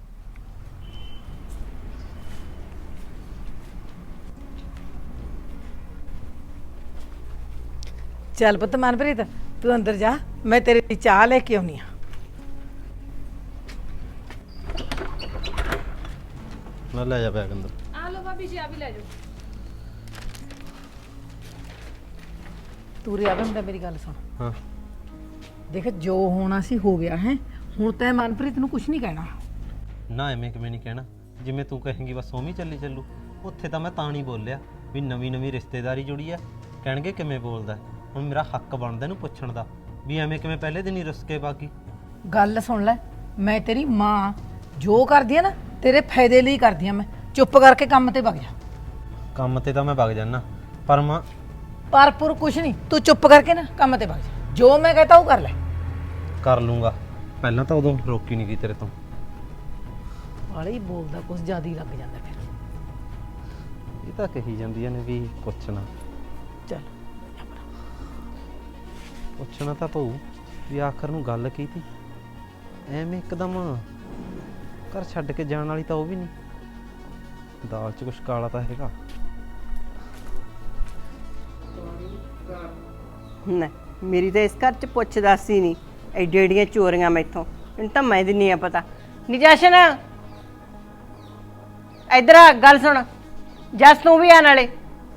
S4: ਚੱਲ ਪੁੱਤ ਮਨਪ੍ਰੀਤ ਤੂੰ ਅੰਦਰ ਜਾ, ਮੈਂ ਤੇਰੇ ਲਈ ਚਾਹ ਲੈ ਕੇ ਆਉਣੀ ਆ।
S7: ਨਾ ਲੈ ਜਾ ਬੈਗ ਅੰਦਰ।
S3: ਆ ਲਓ ਭਾਬੀ ਜੀ, ਆ ਵੀ ਲੈ ਜਾਓ।
S4: ਤੂੰ ਰਿਆ ਬੰਦਾ ਮੇਰੀ ਗੱਲ ਸੁਣ।
S7: ਹਾਂ
S4: ਦੇਖ ਜੋ ਹੋਣਾ ਸੀ ਹੋ ਗਿਆ ਹੈ, ਹੁਣ ਤੈਂ ਮਨਪ੍ਰੀਤ ਨੂੰ ਕੁਝ ਨਹੀਂ ਕਹਿਣਾ।
S7: ਨਾ ਐਵੇਂ ਕਿਵੇਂ ਨਹੀਂ ਕਹਿਣਾ, ਜਿਵੇਂ ਤੂੰ ਕਹੇਂਗੀ ਬਸ ਉਵੇਂ ਹੀ ਚੱਲੀ ਚੱਲੂ। ਉੱਥੇ ਤਾਂ ਮੈਂ ਤਾਂ ਨਹੀਂ ਬੋਲਿਆ ਵੀ ਨਵੀਂ ਨਵੀਂ ਰਿਸ਼ਤੇਦਾਰੀ ਜੁੜੀ ਆ, ਕਹਿਣਗੇ ਕਿਵੇਂ ਬੋਲਦਾ। ਹੁਣ ਮੇਰਾ ਹੱਕ ਬਣਦਾ ਇਹਨੂੰ ਪੁੱਛਣ ਦਾ ਵੀ ਐਵੇਂ ਕਿਵੇਂ ਪਹਿਲੇ ਦਿਨ ਹੀ ਰੁੱਸ ਕੇ ਬਾਕੀ।
S4: ਗੱਲ ਸੁਣ ਲੈ, ਮੈਂ ਤੇਰੀ ਮਾਂ, ਜੋ ਕਰਦੀ ਆ ਨਾ ਤੇਰੇ ਫਾਇਦੇ ਲਈ ਕਰਦੀ ਆ। ਮੈਂ ਚੁੱਪ ਕਰਕੇ ਕੰਮ ਤੇ ਵਗ ਜਾ।
S7: ਕੰਮ ਤੇ ਤਾਂ ਮੈਂ ਵਗ ਜਾਣਾ, ਪਰ ਮਾਂ
S4: ਪਰਪੁਰ ਕੁਛ ਨਹੀਂ, ਤੂੰ ਚੁੱਪ ਕਰਕੇ ਨਾ ਕੰਮ ਤੇ ਵਗ ਜਾ। ਜੋ ਮੈਂ ਕਹਤਾ ਉਹ ਕਰ ਲੈ।
S7: ਕਰ ਲੂੰਗਾ, ਪਹਿਲਾਂ ਤਾਂ ਉਦੋਂ ਰੋਕੀ ਨਹੀਂ ਗਈ ਤੇਰੇ ਤੋਂ।
S4: ਵਾਲੇ ਹੀ ਬੋਲਦਾ ਕੁਛ ਜ਼ਿਆਦਾ ਹੀ ਲੱਗ ਜਾਂਦਾ ਫਿਰ।
S7: ਇਹ ਤਾਂ ਕਹੀ ਜਾਂਦੀਆਂ ਨੇ ਵੀ ਪੁੱਛਣਾ
S4: ਚੱਲ
S7: ਪੁੱਛਣਾ ਤਾਂ ਪਊ ਵੀ ਆਖਰ ਨੂੰ ਗੱਲ ਕੀ ਤੀ। ਐਵੇਂ ਇੱਕਦਮ ਘਰ ਛੱਡ ਕੇ ਜਾਣ ਵਾਲੀ ਤਾਂ ਉਹ ਵੀ ਨਹੀਂ। ਦਾਲ 'ਚ ਕੁਛ ਕਾਲਾ ਤਾਂ ਹੈਗਾ।
S6: ਨਾ ਮੇਰੀ ਤਾਂ ਇਸ ਘਰ 'ਚ ਪੁੱਛ ਦੱਸ ਹੀ ਨਹੀਂ, ਐਡੀ ਐਡੀਆਂ ਚੋਰੀਆਂ ਮੈਥੋਂ ਮੈਨੂੰ ਤਾਂ ਮੈਂ ਦਿੰਨੀ ਆ ਪਤਾ। ਨੀ ਜਸ਼ਨ ਇੱਧਰ ਆ, ਗੱਲ ਸੁਣ। ਜਸ ਤੂੰ ਵੀ ਆ ਨਾਲੇ।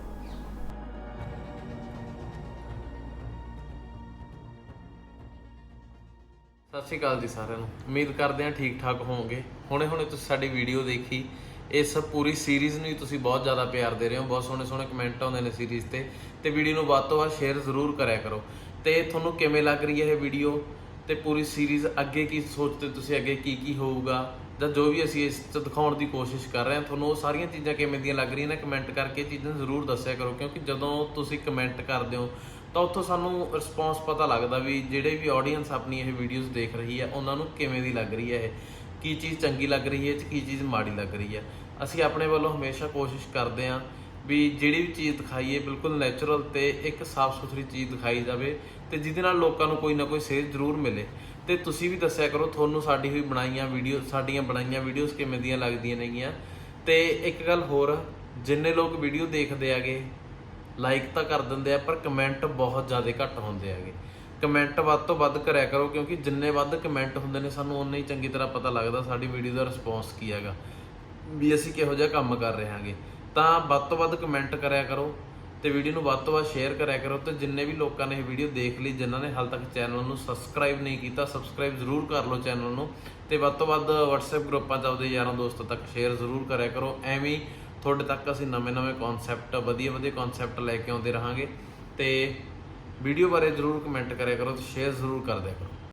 S5: ਸਤਿ ਸ਼੍ਰੀ ਅਕਾਲ ਜੀ ਸਾਰਿਆਂ ਨੂੰ। ਉਮੀਦ ਕਰਦੇ ਹਾਂ ਠੀਕ ਠਾਕ ਹੋਵੋਗੇ। ਹੁਣੇ ਹੁਣੇ ਤੁਸੀਂ ਸਾਡੀ ਵੀਡੀਓ ਦੇਖੀ, ਇਸ ਪੂਰੀ ਸੀਰੀਜ਼ ਨੂੰ ਤੁਸੀਂ ਬਹੁਤ ਜ਼ਿਆਦਾ ਪਿਆਰ ਦੇ ਰਹੇ ਹੋ, ਬਹੁਤ ਸੋਹਣੇ ਸੋਹਣੇ ਕਮੈਂਟ ਆਉਂਦੇ ਨੇ ਸੀਰੀਜ਼ ਤੇ ਤੇ ਵੀਡੀਓ ਨੂੰ ਵੱਧ ਤੋਂ ਵੱਧ ਸ਼ੇਅਰ ਜ਼ਰੂਰ ਕਰਿਆ ਕਰੋ। ਤੇ ਤੁਹਾਨੂੰ ਕਿਵੇਂ ਲੱਗ ਰਹੀ ਹੈ ਇਹ ਵੀਡੀਓ ਤੇ ਪੂਰੀ ਸੀਰੀਜ਼, ਅੱਗੇ ਕੀ ਸੋਚਦੇ ਤੁਸੀਂ, ਅੱਗੇ ਕੀ ਕੀ ਹੋਊਗਾ, ਜਾਂ ਜੋ ਵੀ ਅਸੀਂ ਇਸ 'ਚ ਦਿਖਾਉਣ ਦੀ ਕੋਸ਼ਿਸ਼ ਕਰ ਰਹੇ ਹਾਂ, ਤੁਹਾਨੂੰ ਉਹ ਸਾਰੀਆਂ ਚੀਜ਼ਾਂ ਕਿਵੇਂ ਦੀਆਂ ਲੱਗ ਰਹੀਆਂ ਨੇ ਕਮੈਂਟ ਕਰਕੇ ਚੀਜ਼ਾਂ ਜ਼ਰੂਰ ਦੱਸਿਆ ਕਰੋ। ਕਿਉਂਕਿ ਜਦੋਂ ਤੁਸੀਂ ਕਮੈਂਟ ਕਰਦੇ ਹੋ ਤਾਂ ਉੱਥੋਂ ਸਾਨੂੰ ਰਿਸਪੌਂਸ ਪਤਾ ਲੱਗਦਾ ਵੀ ਜਿਹੜੇ ਵੀ ਆਡੀਅנס ਆਪਣੀ ਇਹ ਵੀਡੀਓਜ਼ ਦੇਖ ਰਹੀ ਹੈ ਉਹਨਾਂ ਨੂੰ ਕਿਵੇਂ ਦੀ ਲੱਗ ਰਹੀ ਹੈ, ਇਹ ਕੀ ਚੀਜ਼ ਚੰਗੀ ਲੱਗ ਰਹੀ ਹੈ, ਕੀ ਚੀਜ਼ ਮਾੜੀ ਲੱਗ ਰਹੀ ਹੈ। ਅਸੀਂ ਆਪਣੇ ਵੱਲੋਂ ਹਮੇਸ਼ਾ ਕੋਸ਼ਿਸ਼ ਕਰਦੇ ਹਾਂ ਵੀ ਜਿਹੜੀ ਵੀ ਚੀਜ਼ ਦਿਖਾਈਏ ਬਿਲਕੁਲ ਨੈਚੁਰਲ ਤੇ ਇੱਕ ਸਾਫ਼ ਸੁਥਰੀ ਚੀਜ਼ ਦਿਖਾਈ ਜਾਵੇ ਤੇ ਜਿਹਦੇ ਨਾਲ ਲੋਕਾਂ ਨੂੰ ਕੋਈ ਨਾ ਕੋਈ ਸੇਧ ਜ਼ਰੂਰ ਮਿਲੇ। ਤੇ ਤੁਸੀਂ ਵੀ ਦੱਸਿਆ ਕਰੋ ਤੁਹਾਨੂੰ ਸਾਡੀ ਹੋਈ ਬਣਾਈਆਂ ਵੀਡੀਓ, ਸਾਡੀਆਂ ਬਣਾਈਆਂ ਵੀਡੀਓਜ਼ ਕਿਵੇਂ ਦੀਆਂ ਲੱਗਦੀਆਂ ਨੇਗੀਆਂ। ਤੇ ਇੱਕ ਗੱਲ ਹੋਰ, ਜਿੰਨੇ ਲੋਕ ਵੀਡੀਓ ਦੇਖਦੇ ਆਗੇ ਲਾਈਕ ਤਾਂ ਕਰ ਦਿੰਦੇ ਆ, ਪਰ ਕਮੈਂਟ ਬਹੁਤ ਜ਼ਿਆਦਾ ਘੱਟ ਹੁੰਦੇ ਹੈਗੇ। ਕਮੈਂਟ ਵੱਧ ਤੋਂ ਵੱਧ ਕਰਿਆ ਕਰੋ, ਕਿਉਂਕਿ ਜਿੰਨੇ ਵੱਧ ਕਮੈਂਟ ਹੁੰਦੇ ਨੇ ਸਾਨੂੰ ਉਨਾ ਹੀ ਚੰਗੀ ਤਰ੍ਹਾਂ ਪਤਾ ਲੱਗਦਾ ਸਾਡੀ ਵੀਡੀਓ ਦਾ ਰਿਸਪੌਂਸ ਕੀ ਹੈਗਾ, ਵੀ ਅਸੀਂ ਕਿਹੋ ਜਿਹਾ ਕੰਮ ਕਰ ਰਹੇ ਹਾਂਗੇ। ਤਾਂ ਵੱਧ ਤੋਂ ਵੱਧ ਕਮੈਂਟ ਕਰਿਆ ਕਰੋ ਤੇ ਵੀਡੀਓ ਨੂੰ ਵੱਧ ਤੋਂ ਵੱਧ ਸ਼ੇਅਰ ਕਰਿਆ ਕਰੋ। ਤੇ ਜਿੰਨੇ ਵੀ ਲੋਕਾਂ ਨੇ ਇਹ ਵੀਡੀਓ ਦੇਖ ਲਈ, ਜਿਨ੍ਹਾਂ ਨੇ ਹਾਲ ਤੱਕ ਚੈਨਲ ਨੂੰ ਸਬਸਕ੍ਰਾਈਬ ਨਹੀਂ ਕੀਤਾ, ਸਬਸਕ੍ਰਾਈਬ ਜ਼ਰੂਰ ਕਰ ਲਓ ਚੈਨਲ ਨੂੰ। ਤੇ ਵੱਧ ਤੋਂ ਵੱਧ WhatsApp ਗਰੁੱਪਾਂ 'ਚ ਆਪਦੇ ਯਾਰਾਂ ਦੋਸਤਾਂ ਤੱਕ ਸ਼ੇਅਰ ਜ਼ਰੂਰ ਕਰਿਆ ਕਰੋ। ਐਵੇਂ ਹੀ ਤੁਹਾਡੇ ਤੱਕ ਅਸੀਂ ਨਵੇਂ-ਨਵੇਂ ਕਨਸੈਪਟ, ਵਧੀਆ ਵਧੀਆ ਕਨਸੈਪਟ ਲੈ ਕੇ ਆਉਂਦੇ ਰਹਾਂਗੇ। ਤੇ ਵੀਡੀਓ ਬਾਰੇ ਜ਼ਰੂਰ ਕਮੈਂਟ ਕਰਿਆ ਕਰੋ ਤੇ ਸ਼ੇਅਰ ਜ਼ਰੂਰ ਕਰ ਦਿਆ ਕਰੋ।